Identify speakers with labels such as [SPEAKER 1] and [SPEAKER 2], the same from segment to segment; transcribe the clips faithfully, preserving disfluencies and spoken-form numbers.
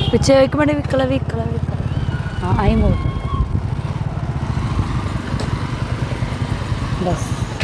[SPEAKER 1] ਪਿੱਛੇ ਇੱਕ ਮਿੰਟ ਵਿਕਲਾ ਵਿਕਲਾ ਵਿਕਲਾ ਹਾਂ ਆਈ ਮੋੜ ਬਸ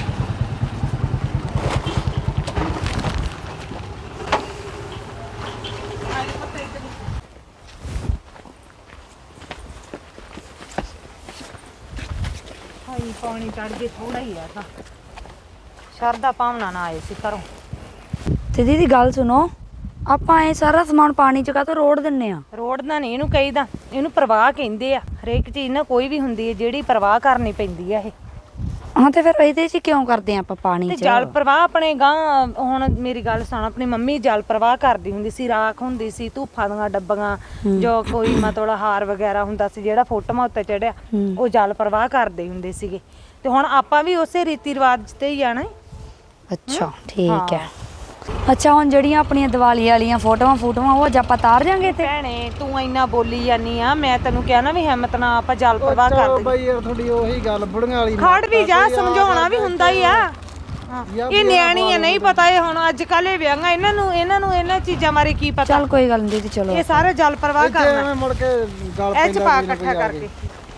[SPEAKER 2] ਹਾਈ ਪਾਣੀ ਚੜ ਗਏ ਥੋੜਾ ਹੀ ਆ ਤਾਂ ਸ਼ਰਦਾ ਪਾਵਣਾ ਨਾ ਆਏ ਸੀ ਘਰੋਂ।
[SPEAKER 1] ਤੇ ਦੀਦੀ ਗੱਲ ਸੁਣੋ ਆਪਾਂ ਇਹ ਸਾਰਾ ਸਮਾਨ ਪਾਣੀ ਚ ਕਾਹਤੋਂ ਰੋੜ ਦਿੰਨੇ ਆ
[SPEAKER 2] ਰੋਡ ਦਾ ਨਹੀਂ ਇਹਨੂੰ ਕਹੀਦਾ, ਇਹਨੂੰ ਪ੍ਰਵਾਹ ਕਹਿੰਦੇ ਆ। ਹਰੇਕ ਚੀਜ਼ ਨਾ ਕੋਈ ਵੀ ਹੁੰਦੀ ਹੈ ਜਿਹੜੀ ਪ੍ਰਵਾਹ ਕਰਨੀ ਪੈਂਦੀ ਆ ਇਹ।
[SPEAKER 1] ਹਾਂ ਤੇ ਫਿਰ ਇਹਦੇ ਚ ਕਿਉਂ ਕਰਦੇ ਆ ਆਪਾਂ ਪਾਣੀ
[SPEAKER 2] ਤੇ
[SPEAKER 1] ਚ
[SPEAKER 2] ਜਲ ਪ੍ਰਵਾਹ ਆਪਣੇ ਗਾਂ ਹੁਣ ਮੇਰੀ ਗੱਲ ਸੁਣ, ਆਪਣੀ ਮੰਮੀ ਜਲ ਪ੍ਰਵਾਹ ਕਰਦੀ ਹੁੰਦੀ ਸੀ, ਰਾਖ ਹੁੰਦੀ ਸੀ, ਧੂਫਾਂ ਦੀਆਂ ਡੱਬੀਆਂ, ਜੋ ਕੋਈ ਮਤਲਬ ਹਾਰ ਵਗੈਰਾ ਹੁੰਦਾ ਸੀ ਜਿਹੜਾ ਫੋਟੋਆਂ ਉੱਤੇ ਚੜਿਆ ਉਹ ਜਲ ਪ੍ਰਵਾਹ ਕਰਦੇ ਹੁੰਦੇ ਸੀਗੇ। ਤੇ ਹੁਣ ਆਪਾਂ ਵੀ ਉਸੇ ਰੀਤੀ ਰਿਵਾਜ ਤੇ ਹੀ ਜਾਣਾ।
[SPEAKER 1] ਅੱਛਾ ਠੀਕ ਹੈ। ਅੱਛਾ ਹੁਣ ਜਿਹੜੀਆਂ ਆਪਣੀਆਂ ਦੀਵਾਲੀ ਵਾਲੀਆਂ ਫੋਟੋਆਂ ਫੋਟੋਆਂ ਉਹ ਅੱਜ ਆਪਾਂ ਤਾਰ ਜਾਾਂਗੇ ਤੇ
[SPEAKER 2] ਭੈਣੇ ਤੂੰ ਇੰਨਾ ਬੋਲੀ ਜਾਨੀ ਆ, ਮੈਂ ਤੈਨੂੰ ਕਿਹਾ ਨਾ ਵੀ ਹਿੰਮਤ ਨਾਲ ਆਪਾਂ ਜਲ ਪ੍ਰਵਾਹ ਕਰ ਦੇ
[SPEAKER 3] ਬਾਈ ਯਾਰ ਤੁਹਾਡੀ ਉਹੀ ਗੱਲ ਬੁੜੀਆਂ ਵਾਲੀ
[SPEAKER 2] ਖੜ ਵੀ ਜਾ, ਸਮਝਾਉਣਾ ਵੀ ਹੁੰਦਾ ਹੀ ਆ। ਇਹ ਨਿਆਣੀ ਆ, ਨਹੀਂ ਪਤਾ ਇਹ ਹੁਣ ਅੱਜ ਕੱਲ ਇਹ ਵਿਆਹਾਂ ਇਹਨਾਂ ਨੂੰ ਇਹਨਾਂ ਨੂੰ ਇਹਨਾਂ ਚੀਜ਼ਾਂ ਬਾਰੇ ਕੀ ਪਤਾ।
[SPEAKER 1] ਚੱਲ ਕੋਈ ਗੱਲ ਨਹੀਂ ਦੀਦੀ ਚਲੋ
[SPEAKER 2] ਇਹ ਸਾਰੇ ਜਲ ਪ੍ਰਵਾਹ ਕਰਨਾ
[SPEAKER 3] ਐਵੇਂ ਮੁੜ ਕੇ ਗੱਲ
[SPEAKER 2] ਇਹ ਚ ਪਾ ਇਕੱਠਾ ਕਰਕੇ।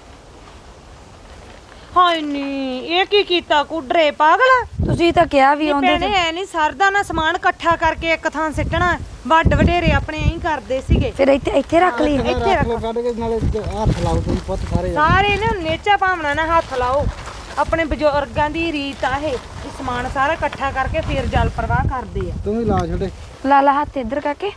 [SPEAKER 2] ਹਾਏ ਨੀ ਇਹ ਕੀ ਕੀਤਾ ਕੁਡਰੇ ਪਾਗਲ।
[SPEAKER 1] ਤੁਸੀਂ ਤਾਂ ਕਿਹਾ ਵੀ ਆਉਂਦੇ
[SPEAKER 2] ਭੈਣੇ ਐ ਨਹੀਂ ਸਰਦਾ ਨਾ ਸਮਾਨ ਇਕੱਠਾ ਕਰਕੇ ਇੱਕ ਥਾਂ ਸਿੱਟਣਾ। ਵੱਡ ਵਡੇਰੇ ਆਪਣੇ ਐਂ ਕਰਦੇ ਸੀਗੇ।
[SPEAKER 1] ਫਿਰ ਇੱਥੇ ਇੱਥੇ ਰੱਖ ਲਈ
[SPEAKER 2] ਇੱਥੇ ਰੱਖ
[SPEAKER 3] ਕੱਢ ਕੇ ਨਾਲੇ ਹੱਥ ਲਾਓ ਤੁਸੀਂ ਪੁੱਤ ਸਾਰੇ
[SPEAKER 2] ਸਾਰੇ ਨੇ ਨੇਚਾ ਭਾਵਨਾ ਨਾਲ ਹੱਥ ਲਾਓ। ਆਪਣੇ ਬਜ਼ੁਰਗਾਂ ਦੀ ਰੀਤ ਆ ਇਹ, ਇਹ ਸਮਾਨ ਸਾਰਾ ਇਕੱਠਾ ਕਰਕੇ ਫਿਰ ਜਲ ਪ੍ਰਵਾਹ ਕਰਦੇ ਆ।
[SPEAKER 3] ਤੂੰ ਵੀ ਲਾ ਛੱਡੇ
[SPEAKER 1] ਲਾ ਲਾ ਹੱਥ ਇੱਧਰ ਕਰਕੇ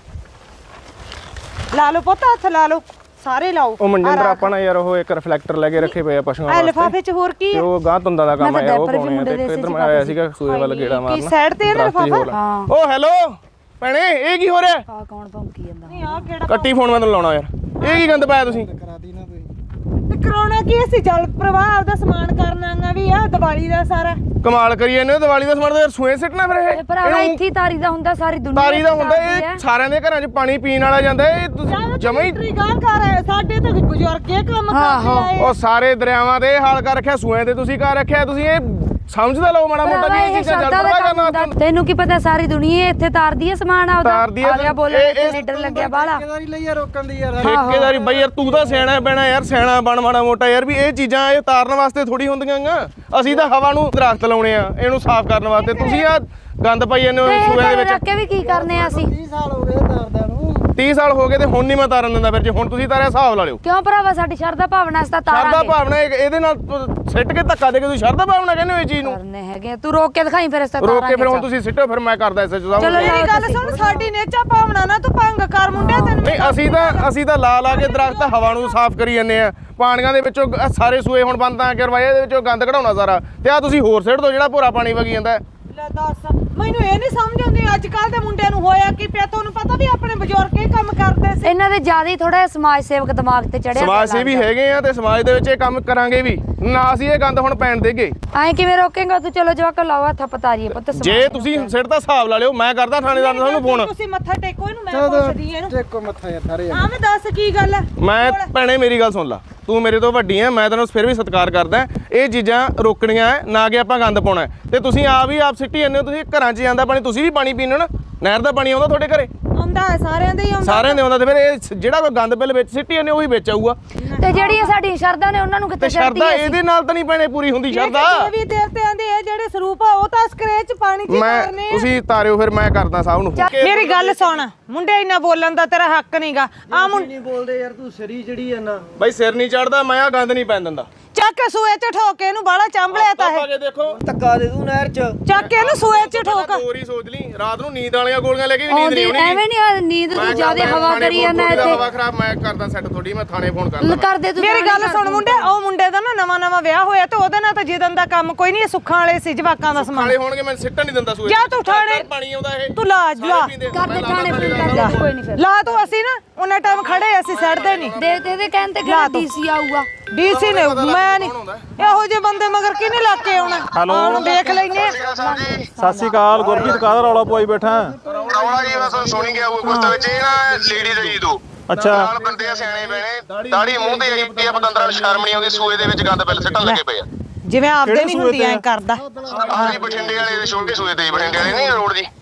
[SPEAKER 2] ਲਾ ਲਓ ਪੁੱਤ, ਹੱਥ ਲਾ ਲਓ ਸਾਰੇ ਲਾਓ।
[SPEAKER 4] ਉਹ ਮਨਜਿੰਦਰ ਆਪਾਂ ਨਾ ਯਾਰ ਉਹ ਇੱਕ ਰਿਫਲੈਕਟਰ ਲੈ ਕੇ ਰੱਖੇ ਪਏ ਆ ਪਸ਼ੂਆਂ
[SPEAKER 2] ਆ
[SPEAKER 4] ਵਾਸਤੇ
[SPEAKER 2] ਲਿਫਾਫੇ ਚ ਹੋਰ ਕੀ
[SPEAKER 4] ਤੇ
[SPEAKER 2] ਆ?
[SPEAKER 4] ਉਹ ਗਾਂ ਤੁੰਦਾਂ ਦਾ ਕੰਮ
[SPEAKER 1] ਮੈਂ ਤਾਂ
[SPEAKER 4] ਆ ਉਹ
[SPEAKER 1] diaper ਵੀ
[SPEAKER 4] ਪਾਉਣੇ ਆ
[SPEAKER 1] ਮੁੰਡੇ
[SPEAKER 4] ਤੇ
[SPEAKER 1] ਦੇ
[SPEAKER 4] ਇੱਧਰ
[SPEAKER 1] ਸੀ
[SPEAKER 4] ਮੈਂ ਆਇਆ ਸੀਗਾ ਸੂਏ ਵੱਲ ਗੇੜਾ
[SPEAKER 2] ਕੀ
[SPEAKER 4] ਮਾਰਨਾ
[SPEAKER 2] ਸਾਈਡ ਤੇ ਇਹਦਾ
[SPEAKER 4] ਦਰਖਤ ਹੀ
[SPEAKER 2] ਲਿਫਾਫਾ?
[SPEAKER 4] ਹੋਰ।
[SPEAKER 1] ਹਾਂ
[SPEAKER 4] ਉਹ ਹੈਲੋ ਭੈਣੇ ਇਹ ਕੀ ਹੋ ਰਿਹਾ?
[SPEAKER 1] ਆ ਕੌਣ ਭੌਂਕੀ ਜਾਂਦਾ
[SPEAKER 2] ਨਹੀਂ ਆ ਕਿਹੜਾ
[SPEAKER 4] ਕੱਟੀ ਫੋਨ ਮੈਂ ਤੈਨੂੰ ਲਾਉਣਾ ਯਾਰ ਇਹ ਕੀ ਗੰਦ ਪਾਇਆ ਤੁਸੀਂ?
[SPEAKER 3] ਕਰਾਤੀ ਨਾ ਤੁਸੀਂ
[SPEAKER 2] ਤੇ ਕਰਾਉਣਾ ਕੀ ਸੀ? ਜਲ ਪ੍ਰਵਾਹ ਆਪਦਾ ਸਮਾਨ ਕਰਨਾਗਾ ਵੀ ਆ ਦੀਵਾਲੀ ਦਾ ਸਾਰਾ।
[SPEAKER 4] ਕਮਾਲ ਕਰੀ ਜਾਂਦੇ ਹੋ ਦੀਵਾਲੀ ਦਾ ਸਮਾਨ ਤਾਂ ਯਾਰ ਸੂਏ ਸਿੱਟਣਾ ਫਿਰ
[SPEAKER 1] ਇਹ
[SPEAKER 4] ਇਹ
[SPEAKER 1] ਭਰਾਵਾ
[SPEAKER 4] ਇਹਨੂੰ
[SPEAKER 1] ਇੱਥੇ ਹੀ ਤਾਰੀ ਦਾ ਹੁੰਦਾ ਸਾਰੀ ਦੁਨੀਆ
[SPEAKER 4] ਤਾਰੀ ਦਾ ਹੁੰਦਾ
[SPEAKER 1] ਕਰਦੀ ਹੈ।
[SPEAKER 4] ਇਹ ਸਾਰਿਆਂ ਦੇ ਘਰਾਂ 'ਚ ਪਾਣੀ ਪੀਣ ਵਾਲਾ ਜਾਂਦਾ ਇਹ ਤੁਸੀਂ ਜਮਾ ਹੀ
[SPEAKER 2] ਟਰੀ ਗਾਂ ਕਰ ਸਾਡੇ ਤਾਂ ਬਜ਼ੁਰਗ ਇਹ ਕੰਮ
[SPEAKER 1] ਆਹੋ।
[SPEAKER 2] ਕਰਦੇ ਆਏ।
[SPEAKER 4] ਉਹ ਸਾਰੇ ਦਰਿਆਵਾਂ ਤੇ ਇਹ ਹਾਲ ਕਰ ਰੱਖਿਆ ਸੂਏ ਤੇ ਤੁਸੀਂ ਕਰ ਰੱਖਿਆ ਤੁਸੀਂ ਇਹ ਸਮਝਦਾ ਲਓ ਮਾੜਾ ਮੋਟਾ ਵੀ ਇਹ ਚੀਜ਼ਾਂ ਜਲ ਪ੍ਰਵਾਹ ਕਰਨਾ ਵਾਸਤੇ
[SPEAKER 1] ਤੈਨੂੰ ਕੀ ਪਤਾ ਸਾਰੀ ਦੁਨੀਆ ਇੱਥੇ ਤਾਰਦੀ ਹੈ ਸਮਾਨ ਆਪਦਾ
[SPEAKER 4] ਤਾਰਦੀ ਹੈ
[SPEAKER 1] ਆ ਗਿਆ
[SPEAKER 4] ਤੇ
[SPEAKER 1] ਬੋਲਣ
[SPEAKER 4] ਇਹ-
[SPEAKER 1] ਤੇ
[SPEAKER 4] ਇਹ-
[SPEAKER 1] ਲੀਡਰ ਲੱਗਿਆ ਬਾਲਾ
[SPEAKER 3] ਠੇਕੇਦਾਰੀ ਲਈ ਆ ਰੋਕਣ ਦੀ ਯਾਰ
[SPEAKER 4] ਠੇਕੇਦਾਰੀ ਬਈ ਯਾਰ ਤੂੰ ਤਾਂ ਸਿਆਣਾ ਪੈਣਾ ਯਾਰ ਸਿਆਣਾ ਬਣ ਮਾੜਾ ਮੋਟਾ ਯਾਰ ਵੀ ਇਹ ਚੀਜ਼ਾਂ ਇਹ ਤਾਰਨ ਵਾਸਤੇ ਥੋੜੀ ਹੁੰਦੀਆਂ ਆਂ ਅਸੀਂ ਤਾਂ ਹਵਾ ਨੂੰ ਦਰਖਤ ਲਾਉਣੇ ਆ ਇਹਨੂੰ ਸਾਫ਼ ਕਰਨ ਵਾਸਤੇ ਤੁਸੀਂ ਆ ਗੰਦ ਪਾਈ ਜਾਂਦੇ ਹੋ ਸੂਏ ਦੇ ਵਿੱਚ
[SPEAKER 1] ਰੱਖ ਕੇ ਵੀ ਕੀ ਕਰਨੇ ਆ ਅਸੀਂ
[SPEAKER 3] ਤੀਹ ਸਾਲ ਹੋ ਗਏ ਤਾਰਦਿਆਂ ਨੂੰ
[SPEAKER 4] ਤੀਹ ਸਾਲ ਹੋ ਗਏ ਤੇ ਹੁਣ ਨਹੀਂ ਮੈਂ ਤਾਰਨ ਦਿੰਦਾ ਫਿਰ ਜੇ ਹੁਣ ਤੁਸੀਂ ਤਾਰਿਆ ਹਿਸਾਬ ਲਾ ਲਿਓ
[SPEAKER 1] ਕਿਉਂ ਭਰਾਵਾ ਸਾਡੀ ਸ਼ਰਧਾ ਭਾਵਨਾ ਅਸੀਂ ਤਾਂ
[SPEAKER 4] ਸ਼ਰਧਾ
[SPEAKER 1] ਤਾਰਾਂਗੇ
[SPEAKER 4] ਭਾਵਨਾ ਇਹ- ਇਹਦੇ ਨਾਲ ਪ- ਸਿੱਟ ਕੇ ਧੱਕਾ ਦੇ ਕੇ ਤੁਸੀਂ ਸ਼ਰਧਾ ਭਾਵਨਾ ਕਹਿੰਦੇ ਹੋ ਇਹ ਚੀਜ਼ ਨੂੰ
[SPEAKER 1] ਕਰਨੇ ਹੈਗੇ ਤੂੰ ਰੋਕ ਕੇ ਦਿਖਾਈ ਫਿਰ ਇਸ ਤਾਂ
[SPEAKER 4] ਰੋਕ ਕੇ ਫਿਰ ਹੁਣ ਤੁਸੀਂ ਸਿੱਟੋ ਫਿਰ ਮੈਂ ਕਰਦਾ ਐਸ ਐਚ
[SPEAKER 1] ਚਲੋ
[SPEAKER 4] ਸਾਹਿਬ
[SPEAKER 2] ਮੇਰੀ ਗੱਲ ਸੁਣ, ਸਾਡੀ ਨੇਚਾ ਭਾਵਨਾ ਨਾ ਤੂੰ ਭੰਗ ਕਰ ਮੁੰਡਿਆ ਤੈਨੂੰ।
[SPEAKER 4] ਨਹੀਂ ਅਸੀਂ ਤਾਂ ਅਸੀਂ ਤਾਂ ਲਾ ਲਾ ਕੇ ਦਰਖਤ ਹਵਾ ਨੂੰ ਸਾਫ਼ ਕਰੀ ਜਾਂਦੇ ਆ ਪਾਣੀਆਂ ਦੇ ਵਿੱਚੋਂ ਆਹ ਸਾਰੇ ਸੂਏ ਹੁਣ ਬੰਦ ਤਾਂ ਕਰਵਾਏ ਇਹਦੇ ਵਿੱਚੋਂ ਗੰਦ ਕਢਾਉਣਾ ਸਾਰਾ ਤੇ ਆ ਤੁਸੀਂ ਹੋਰ ਸਿੱਟ ਦੋ ਜਿਹੜਾ ਭੋਰਾ ਪਾਣੀ ਵਗੀ ਜਾਂਦਾ
[SPEAKER 2] ਲੈ ਦੱਸ, ਮੈਨੂੰ ਇਹ ਨਹੀਂ ਸਮਝ ਆਉਂਦੀ ਅੱਜ ਕੱਲ ਦੇ ਮੁੰਡਿਆਂ ਨੂੰ ਹੋਇਆ ਕੀ ਪਿਆ। ਤੁਹਾਨੂੰ ਪਤਾ ਵੀ ਆਪਣੇ ਬਜ਼ੁਰਗ ਇਹ ਕੰਮ ਕਰਦੇ ਸੀ।
[SPEAKER 1] ਇਹਨਾਂ ਦੇ ਜ਼ਿਆਦਾ ਹੀ ਥੋੜਾ ਸਮਾਜ ਸੇਵਕ ਦਿਮਾਗ ਤੇ ਚੜਿਆ
[SPEAKER 4] ਸਮਾਜ ਸੇਵੀ ਹੈਗੇ ਆ ਤੇ ਸਮਾਜ ਦੇ ਵਿੱਚ ਇਹ ਕੰਮ ਕਰਾਂਗੇ ਵੀ ਨਾ ਅਸੀਂ ਇਹ ਗੰਦ ਹੁਣ ਪੈਣ ਦੇਗੇ
[SPEAKER 1] ਐਂ ਕਿਵੇਂ ਰੋਕੇਂਗਾ ਤੂੰ ਚਲੋ ਜਵਾਕ ਲਾਓ ਹੱਥ ਪਤਾਰੀਏ ਪੁੱਤ ਸਮਾਜ
[SPEAKER 4] ਜੇ ਤੁਸੀਂ ਸਿੱਟ ਦਾ ਹਿਸਾਬ ਲਾ ਲਿਓ ਮੈਂ ਕਰਦਾ ਥਾਣੇਦਾਰ ਨੂੰ ਤੁਹਾਨੂੰ ਫੋਨ
[SPEAKER 2] ਤੁਸੀਂ ਮੱਥਾ ਟੇਕੋ ਇਹਨੂੰ, ਮੈਂ ਪੁੱਛਦੀ ਇਹਨੂੰ।
[SPEAKER 3] ਟੇਕੋ ਮੱਥਾ ਯਾਰ ਸਾਰੇ
[SPEAKER 2] ਹਾਂ ਮੈਂ ਦੱਸ ਕੀ ਗੱਲ ਹੈ।
[SPEAKER 4] ਮੈਂ ਭੈਣੇ ਮੇਰੀ ਗੱਲ ਸੁਣ ਲਾ ਤੂੰ ਮੇਰੇ ਤੋਂ ਵੱਡੀ ਐ ਮੈਂ ਤੈਨੂੰ ਫਿਰ ਵੀ ਸਤਿਕਾਰ ਕਰਦਾ ਇਹ ਚੀਜ਼ਾਂ ਰੋਕਣੀਆਂ ਹੈ, ਨਾ ਕਿ ਆਪਾਂ ਗੰਦ ਪਾਉਣਾ ਹੈ। ਤੇ ਤੁਸੀਂ ਆਪ ਹੀ ਆਪ ਸਿੱਟੀ ਜਾਂਦੇ ਹੋ ਤੁਸੀਂ ਘਰਾਂ 'ਚ ਜਾਂਦਾ ਪਾਣੀ ਤੁਸੀਂ ਵੀ ਪਾਣੀ ਪੀਂਦੇ ਹੋ ਨਾ ਨਹਿਰ ਦਾ ਪਾਣੀ ਆਉਂਦਾ ਤੁਹਾਡੇ ਘਰੇ
[SPEAKER 2] ਆਉਂਦਾ ਹੈ ਸਾਰਿਆਂ ਦੇ ਹੀ ਆਉਂਦਾ।
[SPEAKER 4] ਸਾਰਿਆਂ ਦੇ ਆਉਂਦਾ ਤੇ ਫਿਰ ਇਹ ਜਿਹੜਾ ਕੋਈ ਗੰਦ ਬਿੱਲ ਵਿੱਚ ਸਿੱਟੀ ਜਾਂਦੇ ਉਹੀ ਵਿੱਚ ਆਊਗਾ
[SPEAKER 1] ਤੇ ਜਿਹੜੀਆਂ ਸਾਡੀਆਂ ਸ਼ਰਧਾ ਨੇ ਉਹਨਾਂ ਨੂੰ
[SPEAKER 4] ਤੇ
[SPEAKER 1] ਕਿੱਥੇ ਚੜਦੀ
[SPEAKER 4] ਸ਼ਰਧਾ
[SPEAKER 1] ਹੈ
[SPEAKER 4] ਇਹਦੇ ਨਾਲ ਤਾਂ ਨਹੀਂ ਭੈਣੇ ਪੂਰੀ ਹੁੰਦੀ ਸ਼ਰਧਾ
[SPEAKER 2] ਦੇਵੀ ਦੇਵਤਿਆਂ ਦੇ ਇਹ ਜਿਹੜੇ ਸਰੂਪ ਆ ਉਹ ਤਾਂ ਸਕ੍ਰੈਚ ਪਾਣੀ 'ਚ ਹੀ
[SPEAKER 4] ਮੈਂ
[SPEAKER 2] ਕਰਨੇ ਆ।
[SPEAKER 4] ਤੁਸੀਂ ਤਾਰਿਓ ਫਿਰ ਮੈਂ ਕਰਦਾ ਸਭ ਨੂੰ
[SPEAKER 2] ਮੇਰੀ ਗੱਲ ਸੁਣ ਮੁੰਡੇ ਇੰਨਾ ਬੋਲਣ ਦਾ ਤੇਰਾ ਹੱਕ ਨਹੀਂਗਾ। ਆ ਮੁੰਡੇ
[SPEAKER 3] ਨਹੀਂ ਬੋਲਦੇ ਯਾਰ ਤੂੰ ਸਰੀ ਜਿਹੜੀ ਆ ਨਾ
[SPEAKER 4] ਬਈ ਸਿਰ ਨਹੀਂ ਚੜਦਾ ਮੈਂ ਆ ਗੰਦ ਨਹੀਂ ਪੈਣ ਦਿੰਦਾ
[SPEAKER 2] ਚੱਕ ਕੇ ਸੂਏ 'ਚ ਠੋਕ ਕੇ ਇਹਨੂੰ ਬਾਹਲਾ ਚੰਬਲਿਆ ਤਾਂ
[SPEAKER 4] ਪਾ
[SPEAKER 2] ਇਹ।
[SPEAKER 4] ਕੇ ਦੇਖੋ
[SPEAKER 3] ਧੱਕਾ ਦੇ ਦੂੰ ਨਹਿਰ ਚ
[SPEAKER 2] ਚੱਕ ਕੇ ਇਹਨੂੰ ਸੂਏ 'ਚ ਠੋਕ।
[SPEAKER 4] ਹੋਰ ਹੀ ਸੋਚ ਲਈ ਰਾਤ ਨੂੰ ਨੀਂਦ ਵਾਲੀਆਂ ਗੋਲੀਆਂ ਲੈ ਕੇ ਵੀ ਨੀਂਦ
[SPEAKER 1] ਆਉਂਦੀ
[SPEAKER 4] ਨਹੀਂ ਆਉਣੀ
[SPEAKER 1] ਐਵੇਂ ਨਹੀਂ ਨੀਂਦ ਨੂੰ ਜ਼ਿਆਦਾ ਹਵਾ ਕਰੀ ਜਾਂਦਾ
[SPEAKER 4] ਇੱਥੇ
[SPEAKER 1] ਇੱਥੇ
[SPEAKER 4] ਹਵਾ ਖਰਾਬ ਮੈਂ ਕਰਦਾ ਸੈੱਟ ਥੋੜੀ ਮੈਂ ਥਾਣੇ ਫੋਨ ਕਰਦਾ
[SPEAKER 1] ਕਰਦੇ ਤੂੰ
[SPEAKER 2] ਮੇਰੀ ਗੱਲ ਸੁਣ ਮੁੰਡੇ, ਉਹ ਮੁੰਡੇ ਦਾ ਨਾ ਨਵਾਂ ਨਵਾਂ ਵਿਆਹ ਹੋਇਆ ਤੇ ਉਹਦੇ ਨਾਲ ਤਾਂ ਜਿੱਦਣ ਦਾ ਕੰਮ ਕੋਈ ਨਹੀਂ, ਸੁੱਖਾਂ ਵਾਲੇ ਸੀ ਜਵਾਕਾਂ ਦਾ ਸਮਾਨ।
[SPEAKER 4] ਖਾਲੇ ਹੋਣਗੇ ਮੈਂ ਸਿੱਟਣ ਨਹੀਂ ਦਿੰਦਾ ਸੂਏ
[SPEAKER 2] ਜਾ ਤੂੰ ਥਾਣੇ
[SPEAKER 4] ਪਾਣੀ ਆਉਂਦਾ ਇਹ
[SPEAKER 2] ਤੂੰ ਲਾ ਲਾ
[SPEAKER 1] ਕਰਦੇ ਥਾਣੇ ਫੋਨ ਕਰਦੇ ਕੋਈ ਨਹੀਂ ਫਿਰ
[SPEAKER 2] ਲਾ ਤੂੰ। ਅਸੀਂ ਨਾ ਉਹਨਾਂ ਟਾਈਮ ਖੜੇ ਅਸੀਂ ਸੜਦੇ ਨਹੀਂ।
[SPEAKER 1] ਦੇ ਦੇ ਦੇ ਕਹਿਣ ਤੇ ਕਿਹੜਾ ਡੀਸੀ ਆਊਗਾ
[SPEAKER 2] ਡੀਸੀ ਨੇ ਮੈਂ ਨਹੀਂ ਇਹੋ ਜਿਹੇ ਬੰਦੇ ਮਗਰ ਕਿਹਨੇ ਲਾ ਕੇ ਆਉਣਾ।
[SPEAKER 5] ਹੈਲੋ
[SPEAKER 2] ਦੇਖ ਲੈਨੇ
[SPEAKER 5] ਸਤਿ ਸ਼੍ਰੀ ਅਕਾਲ ਗੁਰਪ੍ਰੀਤ ਕਾਹਦਾ ਰੌਲਾ ਪਵਾਈ ਬੈਠਾ
[SPEAKER 6] ਰੌਲਾ ਜੀ ਬਸ ਸੁਣੀ ਗਿਆ ਉਹ ਕੁਸਤਾ ਵਿੱਚ ਇਹ ਨਾ ਲੇਡੀ ਰਹੀ ਤੂੰ
[SPEAKER 5] ਅੱਛਾ
[SPEAKER 6] ਨਾਲ ਬੰਦੇ ਆ ਸਿਆਣੇ ਬਹਿਣੇ ਦਾੜੀ ਮੂੰਹ ਤੇ ਆਈ ਪਈ ਆ ਪਤੰਦਰਾਂ ਨੂੰ ਸ਼ਰਮ ਨਹੀਂ ਆਉਂਦੀ ਸੂਏ ਦੇ ਵਿੱਚ ਗੰਦ ਬਿੱਲ ਸਿੱਟਣ ਲੱਗੇ ਪਏ ਆ
[SPEAKER 2] ਜਿਵੇਂ ਆਪਦੇ ਨਹੀਂ ਹੁੰਦੀ ਐ ਕਰਦਾ।
[SPEAKER 6] ਆਹ ਜੀ ਬਠਿੰਡੇ ਵਾਲੇ ਦੇ ਛੋਟੇ ਸੂਏ ਤੇ ਜੀ, ਬਠਿੰਡੇ ਵਾਲੇ ਨਹੀਂ ਰੋਡ ਜੀ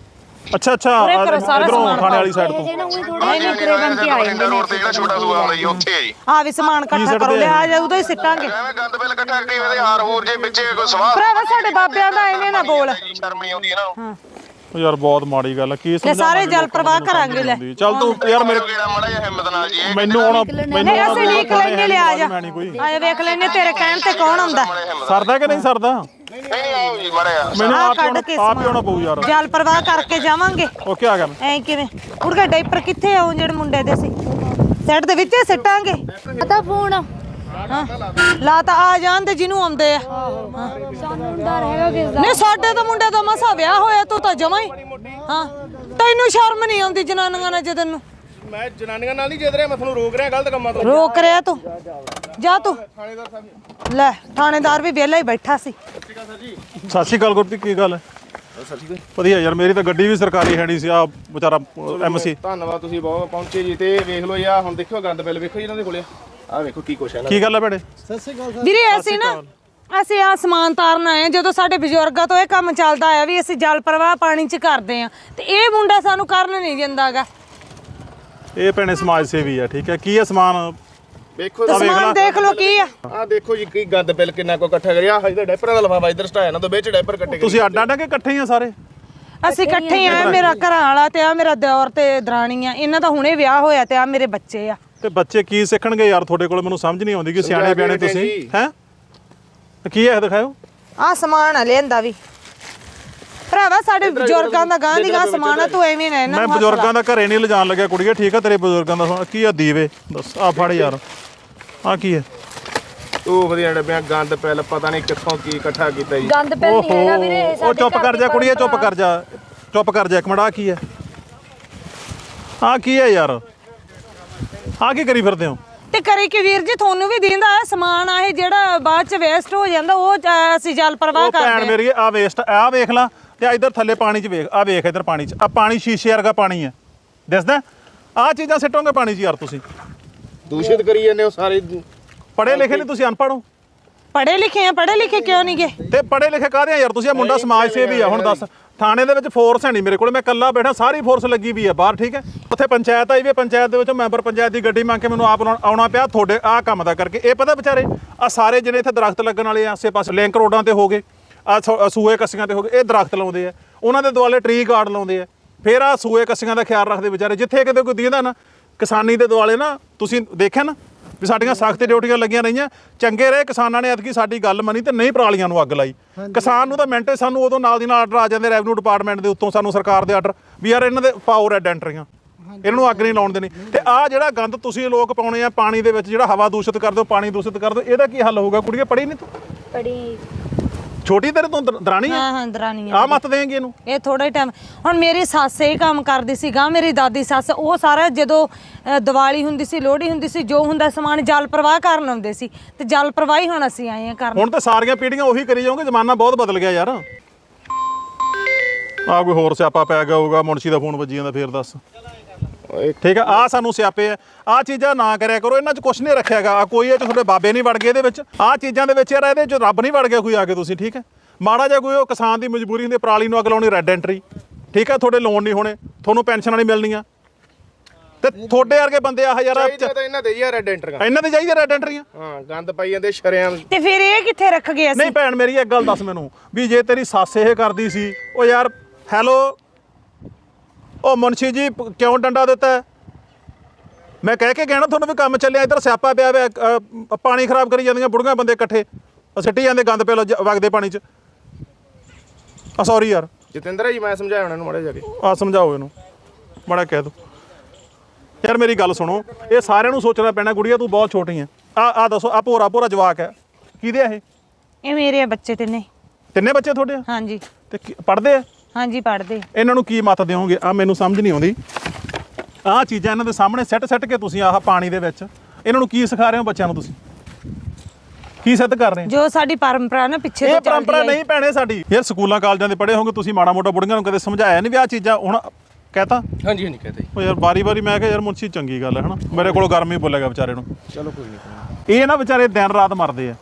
[SPEAKER 5] ਅੱਛਾ ਅੱਛਾ
[SPEAKER 2] ਉਰੇ ਕਰੋ ਸਾਰਾ
[SPEAKER 5] ਇਧਰੋਂ
[SPEAKER 2] ਸਮਾਨ
[SPEAKER 5] ਥਾਣੇ ਵਾਲੀ ਸਾਈਡ ਤੋਂ
[SPEAKER 1] ਜੇ ਨਾ ਉਹੀ ਥੋੜੇ
[SPEAKER 6] ਹਾਂਜੀ ਹਾਂਜੀ ਬਠਿੰਡਾ ਰੋਡ ਤੇ ਜਿਹੜਾ ਛੋਟਾ ਸੂਆ ਆਉਂਦਾ ਜੀ ਉੱਥੇ ਹੈ ਜੀ
[SPEAKER 2] ਆ ਵੀ ਸਮਾਨ ਇਕੱਠਾ ਕਰੋ ਲਿਆ ਆ ਉਦੋਂ ਹੀ ਸਿੱਟਾਂਗੇ
[SPEAKER 6] ਐਵੇਂ ਗੰਦ ਬਿੱਲ ਇਕੱਠਾ ਕਰੀ ਇਹਦੇ ਹਾਰ ਹੋਰ ਜੇ ਵਿੱਚੇ ਕੋਈ ਸਵਾਹ
[SPEAKER 2] ਭਰਾਵਾ ਸਾਡੇ ਬਾਬਿਆਂ ਦਾ ਐਵੇਂ ਨਾ ਬੋਲ
[SPEAKER 6] ਸ਼ਰਮ ਨਹੀਂ ਆਉਂਦੀ ਇਹਨਾਂ ਨੂੰ
[SPEAKER 5] ਉਹ ਯਾਰ ਬਹੁਤ ਮਾੜੀ ਗੱਲ ਆ ਕੀ ਸਮਝਾਵਾਂ
[SPEAKER 2] ਸਾਰੇ ਜਲ ਪ੍ਰਵਾਹ ਕਰਾਂਗੇ ਲੈ
[SPEAKER 5] ਚੱਲ ਤੂੰ ਯਾਰ ਮੇਰੇ
[SPEAKER 6] ਕਿਹੜਾ ਮਾੜਾ ਜਿਹਾ ਹਿੰਮਤ ਨਾਲ ਜੀ ਇਹ
[SPEAKER 5] ਮੈਨੂੰ ਹੁਣ ਮੈਨੂੰ
[SPEAKER 2] ਨਹੀਂ ਅਸੀਂ ਲੀਕ ਲੈਣੇ ਲਿਆ ਜਾ
[SPEAKER 5] ਮੈਂ ਨਹੀਂ ਕੋਈ
[SPEAKER 2] ਆਏ ਵੇਖ ਲੈਣੇ ਤੇਰੇ ਕਹਿਣ ਤੇ ਕੌਣ ਆਉਂਦਾ
[SPEAKER 5] ਸਰਦਾ ਕਿ ਨਹੀਂ ਸਰਦਾ
[SPEAKER 6] ਨਹੀਂ ਨਹੀਂ ਆਓ ਜੀ ਮਾੜਾ ਜਿਹਾ
[SPEAKER 5] ਮੈਨੂੰ
[SPEAKER 2] ਆਹ
[SPEAKER 5] ਆਪ ਹੀ
[SPEAKER 2] ਕੱਢ
[SPEAKER 5] ਆਉਣਾ-
[SPEAKER 2] ਕੇ
[SPEAKER 5] ਆਪ ਹੀ ਆਉਣਾ ਪਊ ਯਾਰ
[SPEAKER 2] ਜਲ ਪ੍ਰਵਾਹ ਕਰਕੇ ਜਾਵਾਂਗੇ
[SPEAKER 5] ਉਹ ਕੀ ਆ ਗਿਆ
[SPEAKER 2] ਐ ਕਿਵੇਂ ਉੜਕੇ ਡਾਈਪਰ ਕਿੱਥੇ ਆਉਂ ਜਿਹੜੇ ਮੁੰਡੇ ਦੇ ਸੀ ਸੈੱਟ ਦੇ ਵਿੱਚ ਹੀ ਸਿੱਟਾਂਗੇ
[SPEAKER 1] ਪਤਾ ਫੋਨ
[SPEAKER 2] ਹਾਂ ਲਾ ਤਾਂ ਆ ਜਾਣ ਤੇ ਜਿਹਨੂੰ ਆਉਂਦੇ ਆ
[SPEAKER 1] ਸਾਨੂੰ ਡਰ ਹੈਗਾ ਕਿਸ ਦਾ
[SPEAKER 2] ਨਹੀਂ ਸਾਡੇ ਤਾਂ ਮੁੰਡੇ ਦਾ ਮਸਾ ਵਿਆਹ ਹੋਇਆ ਤੂੰ ਤਾਂ ਜਮਾ ਹੀ ਹਾਂ ਤੈਨੂੰ ਸ਼ਰਮ ਨਹੀਂ ਆਉਂਦੀ ਜਨਾਨੀਆਂ ਨਾਲ ਜਦੋਂ ਨੂੰ
[SPEAKER 4] ਮੈਂ ਜਨਾਨੀਆਂ ਨਾਲ ਨਹੀਂ ਜਿੱਦ ਰਿਹਾ, ਮੈਂ ਤੁਹਾਨੂੰ ਰੋਕ ਰਿਹਾ ਗਲਤ ਕੰਮਾਂ ਤੋਂ।
[SPEAKER 2] ਰੋਕ ਰਿਆ ਤੂੰ ਜਾ ਤੂੰ ਲੈ ਥਾਣੇਦਾਰ ਵੀ ਵਿਹਲਾ ਹੀ ਬੈਠਾ ਸੀ
[SPEAKER 5] ਸਤਿ ਸ਼੍ਰੀ ਅਕਾਲ ਗੁਰਪ੍ਰੀਤ ਕੀ ਗੱਲ ਹੈ ਵਧੀਆ ਯਾਰ ਮੇਰੀ ਤਾਂ ਗੱਡੀ ਵੀ ਸਰਕਾਰੀ ਹੈ ਨਹੀਂ ਸੀ ਆ ਵਿਚਾਰਾ ਐਮਸੀ
[SPEAKER 4] ਧੰਨਵਾਦ ਤੁਸੀਂ ਬਹੁਤ ਪਹੁੰਚੇ ਜੀ ਤੇ ਵੇਖ ਲਓ ਯਾ ਹੁਣ ਦੇਖਿਓ ਗੰਦ ਬਿੱਲ ਵੇਖੋ ਜੀ ਇਹਨਾਂ ਦੇ ਕੋਲੇ ਆਹ ਵੇਖੋ ਕੀ ਕੁਛ ਹੈ ਇਹਨਾਂ
[SPEAKER 5] ਕੀ ਗੱਲ ਹੈ ਭੈਣੇ
[SPEAKER 3] ਸਤਿ ਸ਼੍ਰੀ ਅਕਾਲ ਸਰ
[SPEAKER 2] ਵੀਰੇ ਅਸੀਂ ਨਾ ਅਸੀਂ ਆ ਸਮਾਨ ਤਾਰਨ ਆਏ ਹਾਂ। ਜਦੋਂ ਸਾਡੇ ਬਜ਼ੁਰਗਾਂ ਤੋਂ ਇਹ ਕੰਮ ਚੱਲਦਾ ਆਇਆ ਵੀ ਅਸੀਂ ਜਲ ਪ੍ਰਵਾਹ ਪਾਣੀ 'ਚ ਕਰਦੇ ਆ ਤੇ ਇਹ ਮੁੰਡਾ ਸਾਨੂੰ ਕਰਨ ਨਹੀਂ ਦਿੰਦਾਗਾ
[SPEAKER 5] ਇਹ ਭੈਣੇ ਸਮਾਜ ਸੇਵੀ ਆ ਠੀਕ ਹੈ ਕੀ ਹੈ ਸਮਾਨ
[SPEAKER 4] ਵੇਖੋ
[SPEAKER 2] ਸਮਾਨ ਦੇਖ ਲਓ ਕੀ ਆ
[SPEAKER 4] ਆਹ ਦੇਖੋ ਜੀ ਕੀ ਗੰਦ ਬਿੱਲ ਕਿੰਨਾ ਕੋ ਇਕੱਠਾ ਕਰਿਆ ਆਹ ਇਹਦਾ ਡਾਈਪਰਾਂ ਦਾ ਲਫਾਫਾ ਇੱਧਰ ਸਟਾਇਆ ਨਾ ਤੋਂ ਵਿੱਚ ਡਾਈਪਰ ਕੱਟੇ ਗਏ।
[SPEAKER 5] ਤੁਸੀਂ ਅੱਡ ਅੱਡ ਕੇ ਇਕੱਠੇ ਹੀ ਆ ਸਾਰੇ
[SPEAKER 2] ਅਸੀਂ ਇਕੱਠੇ ਆ ਮੇਰਾ ਘਰਾਂ ਵਾਲਾ ਤੇ ਆ ਮੇਰਾ ਦਿਓਰ ਤੇ ਦਰਾਣੀ ਆ ਇਹਨਾਂ ਦਾ ਹੁਣੇ ਵਿਆਹ ਹੋਇਆ ਤੇ ਆ ਮੇਰੇ ਬੱਚੇ ਆ
[SPEAKER 5] ਤੇ ਬੱਚੇ ਕੀ ਸਿੱਖਣਗੇ ਯਾਰ ਤੁਹਾਡੇ ਕੋਲ ਮੈਨੂੰ ਸਮਝ ਨਹੀਂ ਆਉਂਦੀ ਕਿ ਸਿਆਣੇ ਬਿਆਣੇ ਤੁਸੀਂ ਹੈ ਕੀ ਹੈ ਇਹ ਦਿਖਾਓ
[SPEAKER 2] ਆ ਸਮਾਨ ਆ ਲਿਆਂਦਾ ਵੀ ਭਰਾਵਾ ਸਾਡੇ ਬਜ਼ੁਰਗਾਂ ਦਾ ਗਾਂ ਦੀ ਗਾਂ ਸਮਾਨ ਆ ਤੂੰ ਐਵੇਂ ਨਾ ਇਹਨਾਂ
[SPEAKER 5] ਮੈਂ
[SPEAKER 2] ਨੂੰ ਹੱਥ
[SPEAKER 5] ਬਜ਼ੁਰਗਾਂ ਦਾ ਘਰੇ ਨਹੀਂ ਲਿਜਾਣ ਲੱਗਿਆ ਕੁੜੀਏ ਠੀਕ ਆ ਤੇਰੇ ਬਜ਼ੁਰਗਾਂ ਦਾ ਸਮਾਨ- ਕੀ ਆ ਦੀਵੇ ਦੱਸ ਆ ਫੜ ਯਾਰ ਆ ਕੀ ਹੈ
[SPEAKER 4] ਉਹ ਵਧੀਆ ਡੱਬਿਆਂ ਗੰਦ ਬਿੱਲ ਪਤਾ ਨਹੀਂ ਕਿੱਥੋਂ ਕੀ ਇਕੱਠਾ ਕੀਤਾ ਜੀ
[SPEAKER 1] ਗੰਦ ਪਿਆ ਨਹੀਂ ਹੈਗਾ ਵੀਰੇ ਇਹ
[SPEAKER 5] ਉਹ
[SPEAKER 1] ਸਾਡੇ
[SPEAKER 5] ਚੁੱਪ
[SPEAKER 1] ਘਰ
[SPEAKER 5] ਕਰ
[SPEAKER 1] ਦੀ
[SPEAKER 5] ਜਾ ਕੁੜੀਏ ਚੁੱਪ
[SPEAKER 1] ਪਰੰਪਰਾ।
[SPEAKER 5] ਕਰ ਜਾ ਚੁੱਪ ਕਰ ਜਾ ਇੱਕ ਮਿੰਟ ਆ ਕੀ ਹੈ ਆ ਕੀ ਹੈ ਯਾਰ ਆ ਕੀ ਕਰੀ ਫਿਰਦੇ ਹੋ
[SPEAKER 2] ਤੇ ਕਰੇ ਕਿ ਵੀਰ ਜੀ ਤੁਹਾਨੂੰ ਵੀ ਦਿੰਦਾ ਸਮਾਨ ਆ ਇਹ ਜਿਹੜਾ ਬਾਅਦ ਚ ਵੇਸਟ ਹੋ ਜਾਂਦਾ ਉਹ ਅ, ਅਸੀਂ ਜਲ ਪ੍ਰਵਾਹ
[SPEAKER 5] ਉਹ ਭੈਣ
[SPEAKER 2] ਕਰਦੇ ਆ
[SPEAKER 5] ਮੇਰੀ ਆ ਵੇਸਟ ਆ ਵੇਖ ਲਾ ਤੇ ਆ ਇਧਰ ਥੱਲੇ ਪਾਣੀ 'ਚ ਵੇਖ ਆ ਵੇਖ ਇਧਰ ਪਾਣੀ 'ਚ ਆ ਪਾਣੀ ਸ਼ੀਸ਼ੇ ਵਰਗਾ ਪਾਣੀ ਹੈ ਦਿਸਦਾ ਆ ਚੀਜ਼ਾਂ ਸਿੱਟੋਗੇ ਪਾਣੀ 'ਚ ਯਾਰ ਤੁਸੀਂ
[SPEAKER 4] ਦੂਸ਼ਿਤ ਕਰੀ ਜਾਂਦੇ ਹੋ ਸਾਰੇ
[SPEAKER 5] ਪੜ੍ਹੇ ਲਿਖੇ ਨਹੀਂ ਤੁਸੀਂ ਅਨਪੜ੍ਹ ਹੋ
[SPEAKER 2] ਪੜ੍ਹੇ ਲਿਖੇ ਆ ਪੜ੍ਹੇ ਲਿਖੇ ਕਿਉਂ ਨਹੀਂ ਗਏ
[SPEAKER 5] ਤੇ ਪੜ੍ਹੇ ਲਿਖੇ ਕਾਹਦੇ ਆ ਯਾਰ ਤੁਸੀਂ ਆ ਮੁੰਡਾ ਸਮਾਜ ਸੇਵੀ ਆ ਹੁਣ ਦੱਸ ਥਾਣੇ ਦੇ ਵਿੱਚ ਫੋਰਸ ਹੈ ਨਹੀਂ ਮੇਰੇ ਕੋਲ ਮੈਂ ਇਕੱਲਾ ਬੈਠਾ ਸਾਰੀ ਫੋਰਸ ਲੱਗੀ ਵੀ ਆ ਬਾਹਰ ਠੀਕ ਹੈ ਉੱਥੇ ਪੰਚਾਇਤ ਆਈ ਵੀ ਪੰਚਾਇਤ ਦੇ ਵਿੱਚ ਮੈਂਬਰ ਪੰਚਾਇਤ ਦੀ ਗੱਡੀ ਮੰਗ ਕੇ ਮੈਨੂੰ ਆਪ ਆਉਣਾ- ਆਉਣਾ ਪਿਆ ਤੁਹਾਡੇ ਆਹ ਕੰਮ ਦਾ ਕਰਕੇ ਇਹ ਪਤਾ ਵਿਚਾਰੇ ਆ ਸਾਰੇ ਜਿਹੜੇ ਇੱਥੇ ਦਰਖਤ ਲੱਗਣ ਵਾਲੇ ਆ ਆਸੇ ਪਾਸੇ ਲਿੰਕ ਰੋਡਾਂ ਤੇ ਹੋ ਗਏ ਆ ਸੂਏ ਕੱਸੀਆਂ ਤੇ ਹੋ ਗਏ ਇਹ ਦਰਖਤ ਲਾਉਂਦੇ ਆ ਉਹਨਾਂ ਦੇ ਦੁਆਲੇ ਟਰੀ ਗਾਰਡ ਲਾਉਂਦੇ ਆ ਫਿਰ ਆ ਸੂਏ ਕੱਸੀਆਂ ਦਾ ਖਿਆਲ ਰੱਖਦੇ ਵਿਚਾਰੇ ਜਿੱਥੇ ਕਿਤੇ ਕੋਈ ਦੀਂਦਾ ਨਾ ਕਿਸਾਨੀ ਦੇ ਦੁਆਲੇ ਨਾ ਤੁਸੀਂ ਦੇਖਿਆ ਨਾ ਵੀ ਸਾਡੀਆਂ ਸਖਤ ਡਿਊਟੀਆਂ ਲੱਗੀਆਂ ਰਹੀਆਂ ਚੰਗੇ ਰਹੇ ਕਿਸਾਨਾਂ ਨੇ ਐਤਕੀ ਸਾਡੀ ਗੱਲ ਮੰਨੀ ਤੇ ਨਹੀਂ ਪਰਾਲੀਆਂ ਨੂੰ ਅੱਗ ਲਾਈ ਕਿਸਾਨ ਨੂੰ ਤਾਂ ਮਿੰਟੇ ਸਾਨੂੰ ਉਦੋਂ ਨਾਲ ਦੀ ਨਾਲ ਆਰਡਰ ਆ ਜਾਂਦੇ ਰੈਵਨਿਊ ਡਿਪਾਰਟਮੈਂਟ ਦੇ ਉੱਤੋਂ ਸਾਨੂੰ ਸਰਕਾਰ ਦੇ ਆਰਡਰ ਵੀ ਯਾਰ ਇਹਨਾਂ ਦੇ ਪਾਓ ਰੈਡ ਐਂਟਰੀਆਂ ਇਹਨਾਂ ਨੂੰ ਅੱਗ ਨਹੀਂ ਲਾਉਣ ਦੇਣੀ ਤੇ ਆਹ ਜਿਹੜਾ ਗੰਦ ਤੁਸੀਂ ਲੋਕ ਪਾਉਣੇ ਆ ਪਾਣੀ ਦੇ ਵਿੱਚ ਜਿਹੜਾ ਹਵਾ ਦੂਸ਼ਿਤ ਕਰਦੇ ਹੋ ਪਾਣੀ ਦੂਸ਼ਿਤ ਕਰਦੇ ਹੋ ਇਹਦਾ ਕੀ ਹੱਲ ਹੋਊਗਾ ਕੁੜੀਏ ਪੜੀ ਨਹੀਂ ਤੂੰ
[SPEAKER 1] ਬੜੀ
[SPEAKER 5] ਛੋਟੀ ਤੇਰੇ ਤੋਂ ਦਰ- ਦਰਾਣੀ ਆ
[SPEAKER 2] ਹਾਂ ਹਾਂ ਦਰਾਨੀਆਂ
[SPEAKER 5] ਆ ਮਤ ਦੇਂਗੇ ਇਹਨੂੰ
[SPEAKER 2] ਇਹ ਥੋੜਾ ਟਾਈਮ ਹੁਣ ਮੇਰੀ ਸੱਸ ਇਹ ਕੰਮ ਕਰਦੀ ਸੀ ਗਾਂ ਮੇਰੀ ਦਾਦੀ ਸੱਸ ਉਹ ਸਾਰਾ ਜਦੋਂ ਅ, ਦੀਵਾਲੀ ਹੁੰਦੀ ਸੀ ਲੋਹੜੀ ਹੁੰਦੀ ਸੀ ਜੋ ਹੁੰਦਾ ਸਮਾਨ ਜਲ ਪ੍ਰਵਾਹ ਕਰਨ ਆਉਂਦੇ ਸੀ ਤੇ ਜਲ ਪ੍ਰਵਾਹ ਹੀ ਹੁਣ ਅਸੀਂ ਆਏ ਆ ਕਰਨ
[SPEAKER 5] ਹੁਣ ਤਾਂ ਸਾਰੀਆਂ ਪੀੜ੍ਹੀਆਂ ਉਹੀ ਕਰੀ ਜਾਓਗੇ ਜ਼ਮਾਨਾ ਬਹੁਤ ਬਦਲ ਗਿਆ ਯਾਰ ਆ ਕੋਈ ਹੋਰ ਸਿਆਪਾ ਪੈ ਗਿਆ ਹੋਊਗਾ ਮੁਨਸ਼ੀ ਦਾ ਫੋਨ ਵੱਜੀ ਜਾਂਦਾ ਫੇਰ ਦੱਸ ਠੀਕ ਆ ਆ ਸਾਨੂੰ ਸਿਆਪੇ ਆ ਆ ਚੀਜ਼ਾਂ ਨਾ ਕਰਿਆ ਕਰੋ ਇਹਨਾਂ 'ਚ ਕੁਛ ਨਹੀਂ ਰੱਖਿਆਗਾ ਆ ਕੋਈ ਇਹ 'ਚ ਤੁਹਾਡੇ ਬਾਬੇ ਨਹੀਂ ਵੜ ਗਏ ਇਹਦੇ ਵਿੱਚ ਆ ਚੀਜ਼ਾਂ ਦੇ ਵਿੱਚ ਯਾਰ ਇਹਦੇ 'ਚ ਰੱਬ ਨਹੀਂ ਵੜ ਗਿਆ ਕੋਈ ਆ ਕੇ ਤੁਸੀਂ ਠੀਕ ਹੈ ਮਾੜਾ ਜਿਹਾ ਕੋਈ ਉਹ ਕਿਸਾਨ ਦੀ ਮਜਬੂਰੀ ਹੁੰਦੀ ਪਰਾਲੀ ਨੂੰ ਅੱਗ ਲਾਉਣੀ ਰੈੱਡ ਐਂਟਰੀ ਠੀਕ ਹੈ ਤੁਹਾਡੇ ਲੋਨ ਨਹੀਂ ਹੋਣੇ ਤੁਹਾਨੂੰ ਪੈਨਸ਼ਨਾਂ ਨਹੀਂ ਮਿਲਣੀਆਂ ਤੇ ਤੁਹਾਡੇ ਵਰਗੇ ਬੰਦੇ ਆ ਹਜ਼ਾਰਾਂ
[SPEAKER 4] ਚਾਹੀਦਾ ਤਾਂ ਇਹਨਾਂ ਦੇ ਜੀ ਰੈੱਡ ਐਂਟਰੀਆਂ
[SPEAKER 5] ਇਹਨਾਂ ਦੇ ਚਾਹੀਦੇ ਰੈੱਡ ਐਂਟਰੀਆਂ
[SPEAKER 4] ਹਾਂ ਗੰਦ ਪਾਈ ਜਾਂਦੇ ਸ਼ਰਿਆਂ
[SPEAKER 2] ਤੇ ਫਿਰ ਇਹ ਕਿੱਥੇ ਰੱਖ ਗਏ ਅਸੀਂ
[SPEAKER 5] ਨਹੀਂ ਭੈਣ ਮੇਰੀ ਇੱਕ ਗੱਲ ਦੱਸ ਮੈਨੂੰ ਵੀ ਜੇ ਤੇਰੀ ਸੱਸ ਇਹ ਕਰਦੀ ਸੀ ਉਹ ਯਾਰ ਹੈਲੋ ਉਹ ਮੁਨਸ਼ੀ ਜੀ ਪ- ਕਿਉਂ ਡੰਡਾ ਦਿੱਤਾ ਹੈ? ਮੈਂ ਕਹਿ ਕੇ ਕਹਿਣਾ ਤੁਹਾਨੂੰ ਵੀ ਕੰਮ ਚੱਲਿਆ ਇੱਧਰ ਸਿਆਪਾ ਪਿਆ ਹੋਇਆ ਅ, ਪਾਣੀ ਖਰਾਬ ਕਰੀ ਜਾਂਦੀਆਂ ਬੁੜੀਆਂ ਬੰਦੇ ਇਕੱਠੇ ਉਹ ਸਿੱਟੀ ਜਾਂਦੇ ਗੰਦ ਪੇ ਲੋ ਵਗਦੇ ਪਾਣੀ 'ਚ ਆ ਸੌਰੀ ਯਾਰ
[SPEAKER 4] ਜਤਿੰਦਰ ਜੀ ਮੈਂ ਸਮਝਾਇਆ ਉਹਨਾਂ ਨੂੰ ਮਾੜੇ ਜਾ ਕੇ
[SPEAKER 5] ਆ ਸਮਝਾਓ ਇਹਨੂੰ ਮਾੜਾ ਕਹਿ ਦੋ ਯਾਰ ਮੇਰੀ ਗੱਲ ਸੁਣੋ ਇਹ ਸਾਰਿਆਂ ਨੂੰ ਸੋਚਣਾ ਪੈਣਾ ਗੁੜੀਆ ਤੂੰ ਬਹੁਤ ਛੋਟੀ ਹੈ ਆ ਆ ਦੱਸੋ ਆ ਭੋਰਾ ਭੋਰਾ ਜਵਾਕ ਹੈ ਕਿਹਦੇ ਆ ਇਹ
[SPEAKER 2] ਇਹ ਮੇਰੇ ਬੱਚੇ ਤੇ ਨੇ
[SPEAKER 5] ਤਿੰਨੇ ਬੱਚੇ ਤੁਹਾਡੇ ਆ
[SPEAKER 2] ਹਾਂਜੀ
[SPEAKER 5] ਤੇ ਪੜ੍ਹਦੇ ਆ
[SPEAKER 2] ਹਾਂਜੀ ਪੜਦੇ
[SPEAKER 5] ਇਹਨਾਂ ਨੂੰ ਕੀ ਮਤ ਦਿਓਗੇ ਆ ਮੈਨੂੰ ਸਮਝ ਨਹੀਂ ਆਉਂਦੀ ਆਹ ਚੀਜ਼ਾਂ ਇਹਨਾਂ ਦੇ ਸਾਹਮਣੇ ਸੈੱਟ ਸੈੱਟ ਕੇ ਤੁਸੀਂ ਆਹ ਪਾਣੀ ਦੇ ਵਿੱਚ ਇਹਨਾਂ ਨੂੰ ਕੀ ਸਿਖਾ ਰਹੇ ਹੋ ਬੱਚਿਆਂ ਨੂੰ ਤੁਸੀਂ ਕੀ ਸਿੱਧ ਕਰ ਰਹੇ ਹੋ
[SPEAKER 2] ਜੋ ਸਾਡੀ ਪਰੰਪਰਾ ਨਾ ਪਿੱਛੇ
[SPEAKER 5] ਇਹ
[SPEAKER 2] ਤੋਂ ਚੱਲਦੀ
[SPEAKER 5] ਪਰੰਪਰਾ
[SPEAKER 2] ਆਈ।
[SPEAKER 5] ਨਹੀਂ ਭੈਣੇ ਸਾਡੀ ਯਾਰ ਸਕੂਲਾਂ ਕਾਲਜਾਂ ਦੇ ਪੜ੍ਹੇ ਹੋਗੇ ਤੁਸੀਂ ਮਾੜਾ ਮੋਟਾ ਬੁੜੀਆਂ ਨੂੰ ਕਦੇ ਸਮਝਾਇਆ ਨਹੀਂ ਵੀ ਆਹ ਚੀਜ਼ਾਂ ਹੁਣ ਕਹਤਾ
[SPEAKER 4] ਹਾਂਜੀ ਹਾਂਜੀ ਕਹਤੇ
[SPEAKER 5] ਉਹ ਯਾਰ ਬਾਰੀ ਬਾਰੀ ਮੈਂ ਕਿਹਾ ਯਾਰ ਮੁਨਸ਼ੀ ਚੰਗੀ ਗੱਲ ਹੈ ਹਨਾ ਮੇਰੇ ਕੋਲ ਗਰਮੀ ਬੋਲੇਗਾ ਵਿਚਾਰੇ ਨੂੰ
[SPEAKER 4] ਚਲੋ ਕੋਈ ਨਹੀਂ
[SPEAKER 5] ਇਹ ਨਾ ਵਿਚਾਰੇ ਦਿਨ ਰਾਤ ਮਰਦੇ ਆ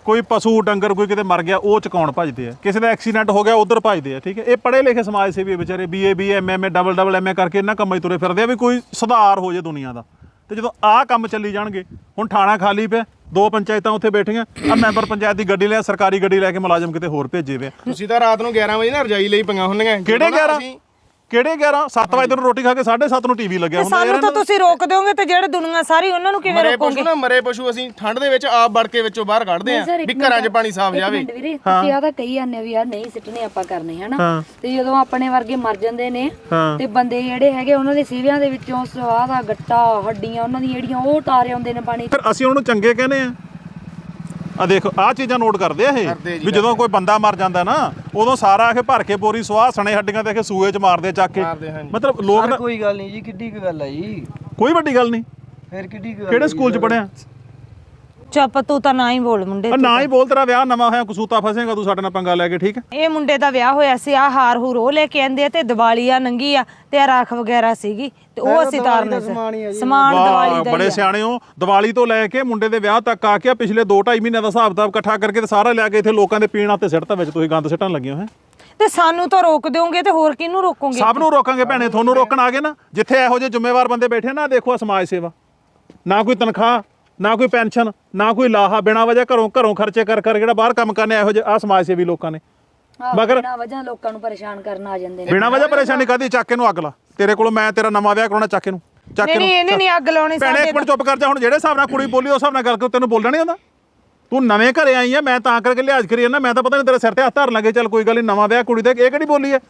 [SPEAKER 5] ਕੋਈ ਪਸ਼ੂ ਡੰਗਰ ਕੋਈ ਕਿਤੇ ਮਰ ਗਿਆ ਉਹ ਚਕਾਉਣ ਭੱਜਦੇ ਆ, ਕਿਸੇ ਦਾ ਐਕਸੀਡੈਂਟ ਹੋ ਗਿਆ ਉਧਰ ਭੱਜਦੇ ਆ, ਠੀਕ ਹੈ। ਇਹ ਪੜ੍ਹੇ ਲਿਖੇ ਸਮਾਜ ਸੇਵੀ ਵਿਚਾਰੇ B A B M M A double double M A ਕਰਕੇ ਇਹਨਾਂ ਕੰਮਾਂ 'ਚ ਤੁਰੇ ਫਿਰਦੇ ਆ ਵੀ ਕੋਈ ਸੁਧਾਰ ਹੋ ਜੇ ਦੁਨੀਆ ਦਾ। ਤੇ ਜਦੋਂ ਆਹ ਕੰਮ ਚੱਲੀ ਜਾਣਗੇ, ਹੁਣ ਥਾਣਾ ਖਾਲੀ ਪਿਆ, ਦੋ ਪੰਚਾਇਤਾਂ ਉੱਥੇ ਬੈਠੀਆਂ, ਆ ਮੈਂਬਰ ਪੰਚਾਇਤ ਦੀ ਗੱਡੀ ਲਿਆ, ਸਰਕਾਰੀ ਗੱਡੀ ਲੈ ਕੇ ਮੁਲਾਜ਼ਮ ਕਿਤੇ ਹੋਰ ਭੇਜੇ ਵੇ।
[SPEAKER 4] ਤੁਸੀਂ ਤਾਂ ਰਾਤ ਨੂੰ ਗਿਆਰਾਂ ਵਜੇ ਨਾ ਰਜਾਈ ਲਈ ਪੰਗਾ ਹੁੰਦੀਆਂ।
[SPEAKER 5] ਕਿਹੜੇ ਗਿਆਰਾਂ ਕਿਹੜੇ ਗਿਆਰਾਂ ਸੱਤ ਵਜੇ ਨੂੰ ਰੋਟੀ ਖਾ ਕੇ ਸਾਢੇ ਸੱਤ ਨੂੰ ਟੀਵੀ ਲੱਗਿਆ ਹੁੰਦਾ।
[SPEAKER 2] ਸਾਨੂੰ ਤਾਂ ਤੁਸੀਂ ਰੋਕ ਦਿਓਗੇ ਤੇ ਜਿਹੜੇ ਦੁਨੀਆ ਸਾਰੀ ਉਹਨਾਂ ਨੂੰ ਕਿਵੇਂ
[SPEAKER 4] ਮਰੇ
[SPEAKER 2] ਰੋਕੋਗੇ?
[SPEAKER 4] ਪਸ਼ੂ ਨਾ ਮਰੇ ਪਸ਼ੂ ਅਸੀਂ ਠੰਡ ਦੇ ਵਿੱਚ ਆਪ ਵੜ ਕੇ ਵਿੱਚੋਂ ਬਾਹਰ ਕੱਢਦੇ ਆ ਵੀ ਘਰਾਂ 'ਚ ਪਾਣੀ ਸਾਫ਼ ਜਾਵੇ।
[SPEAKER 1] ਵੀਰੇ ਤੁਸੀਂ ਆ ਤਾਂ ਕਹੀ ਜਾਂਦੇ ਵੀ ਯਾਰ ਨਹੀਂ ਸਿੱਟਣੇ ਆਪਾਂ ਕਰਨੇ ਹਨਾ, ਤੇ ਜਦੋਂ ਆਪਣੇ ਵਰਗੇ ਮਰ ਜਾਂਦੇ ਨੇ ਤੇ ਬੰਦੇ ਜਿਹੜੇ ਹੈਗੇ ਉਹਨਾਂ ਦੇ ਸੀਵਿਆਂ ਦੇ ਵਿੱਚੋਂ ਸਵਾਹ ਦਾ ਗੱਟਾ ਹੱਡੀਆਂ ਉਹਨਾਂ ਦੀਆਂ ਜਿਹੜੀਆਂ ਉਹ ਤਾਰੇ ਆਉਂਦੇ ਨੇ ਪਾਣੀ।
[SPEAKER 5] ਫਿਰ ਅਸੀਂ ਉਹਨੂੰ ਚੰਗੇ ਕਹਿੰਦੇ ਆ। ਆ ਦੇਖੋ ਆਹ ਚੀਜ਼ਾਂ ਨੋਟ ਕਰਦੇ ਆ ਇਹ ਵੀ ਜਦੋਂ ਕੋਈ ਬੰਦਾ ਮਰ ਜਾਂਦਾ ਨਾ ਉਦੋਂ ਸਾਰਾ ਆ ਕੇ ਭਰ ਕੇ ਬੋਰੀ ਸਵਾਹ ਸਣੇ ਹੱਡੀਆਂ ਤੇ ਸੂਏ 'ਚ ਮਾਰਦੇ ਚੱਕ ਕੇ। ਮਤਲਬ ਲੋਕ ਨਾ
[SPEAKER 3] ਕੋਈ ਗੱਲ ਨਹੀਂ ਜੀ, ਕਿੱਡੀ ਕੁ ਗੱਲ ਆ ਜੀ,
[SPEAKER 5] ਕੋਈ ਵੱਡੀ ਗੱਲ ਨਹੀਂ।
[SPEAKER 3] ਫਿਰ ਕਿੱਡੀ ਕੁ ਗੱਲ
[SPEAKER 5] ਕਿਹੜੇ ਸਕੂਲ 'ਚ ਪੜਿਆ?
[SPEAKER 2] ਚੁੱਪ ਤੂੰ ਤਾਂ ਨਾ ਹੀ ਬੋਲ ਮੁੰਡੇ।
[SPEAKER 5] ਨਾ ਹੀ ਬੋਲ, ਤੇਰਾ ਵਿਆਹ ਨਵਾਂ ਹੋਇਆ, ਕਸੂਤਾ ਫਸੇਗਾ ਤੂੰ ਸਾਡੇ ਨਾਲ ਪੰਗਾ ਲੈ ਕੇ, ਠੀਕ ਹੈ।
[SPEAKER 2] ਇਹ ਮੁੰਡੇ ਦਾ ਵਿਆਹ ਹੋਇਆ ਸੀ, ਆ ਹਾਰ ਹੂਰ ਉਹ ਲੈ ਕੇ ਆਂਦੇ ਆ ਤੇ ਦੀਵਾਲੀ ਆ ਨੰਗੀ ਆ ਤੇ ਆ ਰਾਖ ਵਗੈਰਾ ਸੀਗੀ ਤੇ ਉਹ ਅਸੀਂ ਤਾਰਨੇ ਸੀ। ਸਮਾਨ ਦੀਵਾਲੀ ਦਾ
[SPEAKER 5] ਬੜੇ ਸਿਆਣੇ ਹੋ। ਦੀਵਾਲੀ ਤੋਂ ਲੈ ਕੇ ਮੁੰਡੇ ਦੇ ਵਿਆਹ ਤੱਕ ਆ ਕੇ ਪਿਛਲੇ ਦੋ ਢਾਈ ਮਹੀਨਿਆਂ ਦਾ ਹਿਸਾਬ ਕਿਤਾਬ ਇਕੱਠਾ ਕਰਕੇ ਤੇ ਸਾਰਾ ਲਿਆ ਕੇ ਇੱਥੇ ਲੋਕਾਂ ਦੇ ਪੀਣ ਤੇ ਸਿੱਟਤਾ ਵਿੱਚ ਤੁਸੀਂ ਗੰਦ ਸਿੱਟਣ ਲੱਗੇ ਹੋ ਹੈ।
[SPEAKER 2] ਤੇ ਸਾਨੂੰ ਤਾਂ ਰੋਕ ਦਿਓਗੇ ਤੇ ਹੋਰ ਕਿਹਨੂੰ ਰੋਕੋਗੇ?
[SPEAKER 5] ਸਭ ਨੂੰ ਰੋਕਾਂਗੇ ਭੈਣੇ, ਤੁਹਾਨੂੰ ਰੋਕਣ ਆ ਗਏ ਨਾ। ਜਿੱਥੇ ਇਹੋ ਜਿਹੇ ਜ਼ਿੰਮੇਵਾਰ ਬੰਦੇ ਬੈਠੇ ਨਾ, ਦੇਖੋ ਆ ਸਮਾਜ ਸੇਵਾ, ਨਾ ਕੋਈ ਤਨਖਾਹ, ਨਾ ਕੋਈ ਪੈਨਸ਼ਨ, ਨਾ ਕੋਈ ਲਾਹਾ, ਬਿਨਾਂ ਵਜ੍ਹਾ ਘਰੋਂ ਘਰੋਂ ਖਰਚੇ ਕਰ ਕਰ ਜਿਹੜਾ ਬਾਹਰ ਕੰਮ ਕਰਨੇ ਇਹੋ ਜਿਹੇ ਆ ਸਮਾਜ ਸੇਵੀ ਲੋਕਾਂ ਨੇ। ਮਗਰ
[SPEAKER 1] ਬਿਨਾਂ ਵਜ੍ਹਾ ਲੋਕਾਂ ਨੂੰ ਪਰੇਸ਼ਾਨ ਕਰਨ ਆ ਜਾਂਦੇ ਨੇ।
[SPEAKER 5] ਬਿਨਾਂ ਵਜ੍ਹਾ ਪਰੇਸ਼ਾਨੀ ਕਾਹਦੀ? ਚੱਕ ਕੇ ਨੂੰ ਅੱਗ ਲਾ। ਤੇਰੇ ਕੋਲੋਂ ਮੈਂ ਤੇਰਾ ਨਵਾਂ ਵਿਆਹ ਕਰਾਉਣਾ, ਚੱਕ ਕੇ ਨੂੰ ਚੱਕ ਕੇ
[SPEAKER 2] ਨਹੀਂ ਇਹਨੇ ਨਹੀਂ ਅੱਗ ਲਾਉਣੀ
[SPEAKER 5] ਭੈਣੇ
[SPEAKER 2] ਸਾਡੇ।
[SPEAKER 5] ਇੱਕ ਮਿੰਟ ਚੁੱਪ ਕਰ ਜਾ। ਹੁਣ ਜਿਹੜੇ ਹਿਸਾਬ ਨਾਲ ਕੁੜੀ ਬੋਲੀ ਉਸ ਹਿਸਾਬ ਨਾਲ ਗੱਲ ਕਰ, ਤੈਨੂੰ ਬੋਲਣਾ ਨਹੀਂ ਆਉਂਦਾ? ਤੂੰ ਨਵੇਂ ਘਰੇ ਆਈ ਆ, ਮੈਂ ਤਾਂ ਕਰਕੇ ਲਿਹਾਜ਼ ਕਰੀ ਜਾਂਦਾ। ਮੈਂ ਤਾਂ ਪਤਾ ਨਹੀਂ ਤੇਰੇ ਸਿਰ ਤੇ ਹੱਥ ਧਰਨ ਲੱਗੇ, ਚੱਲ ਕੋਈ ਗੱਲ ਨਹੀਂ, ਨਵਾਂ ਵਿਆਹ ਕੁੜੀ ਦਾ, ਇਹ ਕਿਹੜੀ ਬੋਲੀ ਹੈ?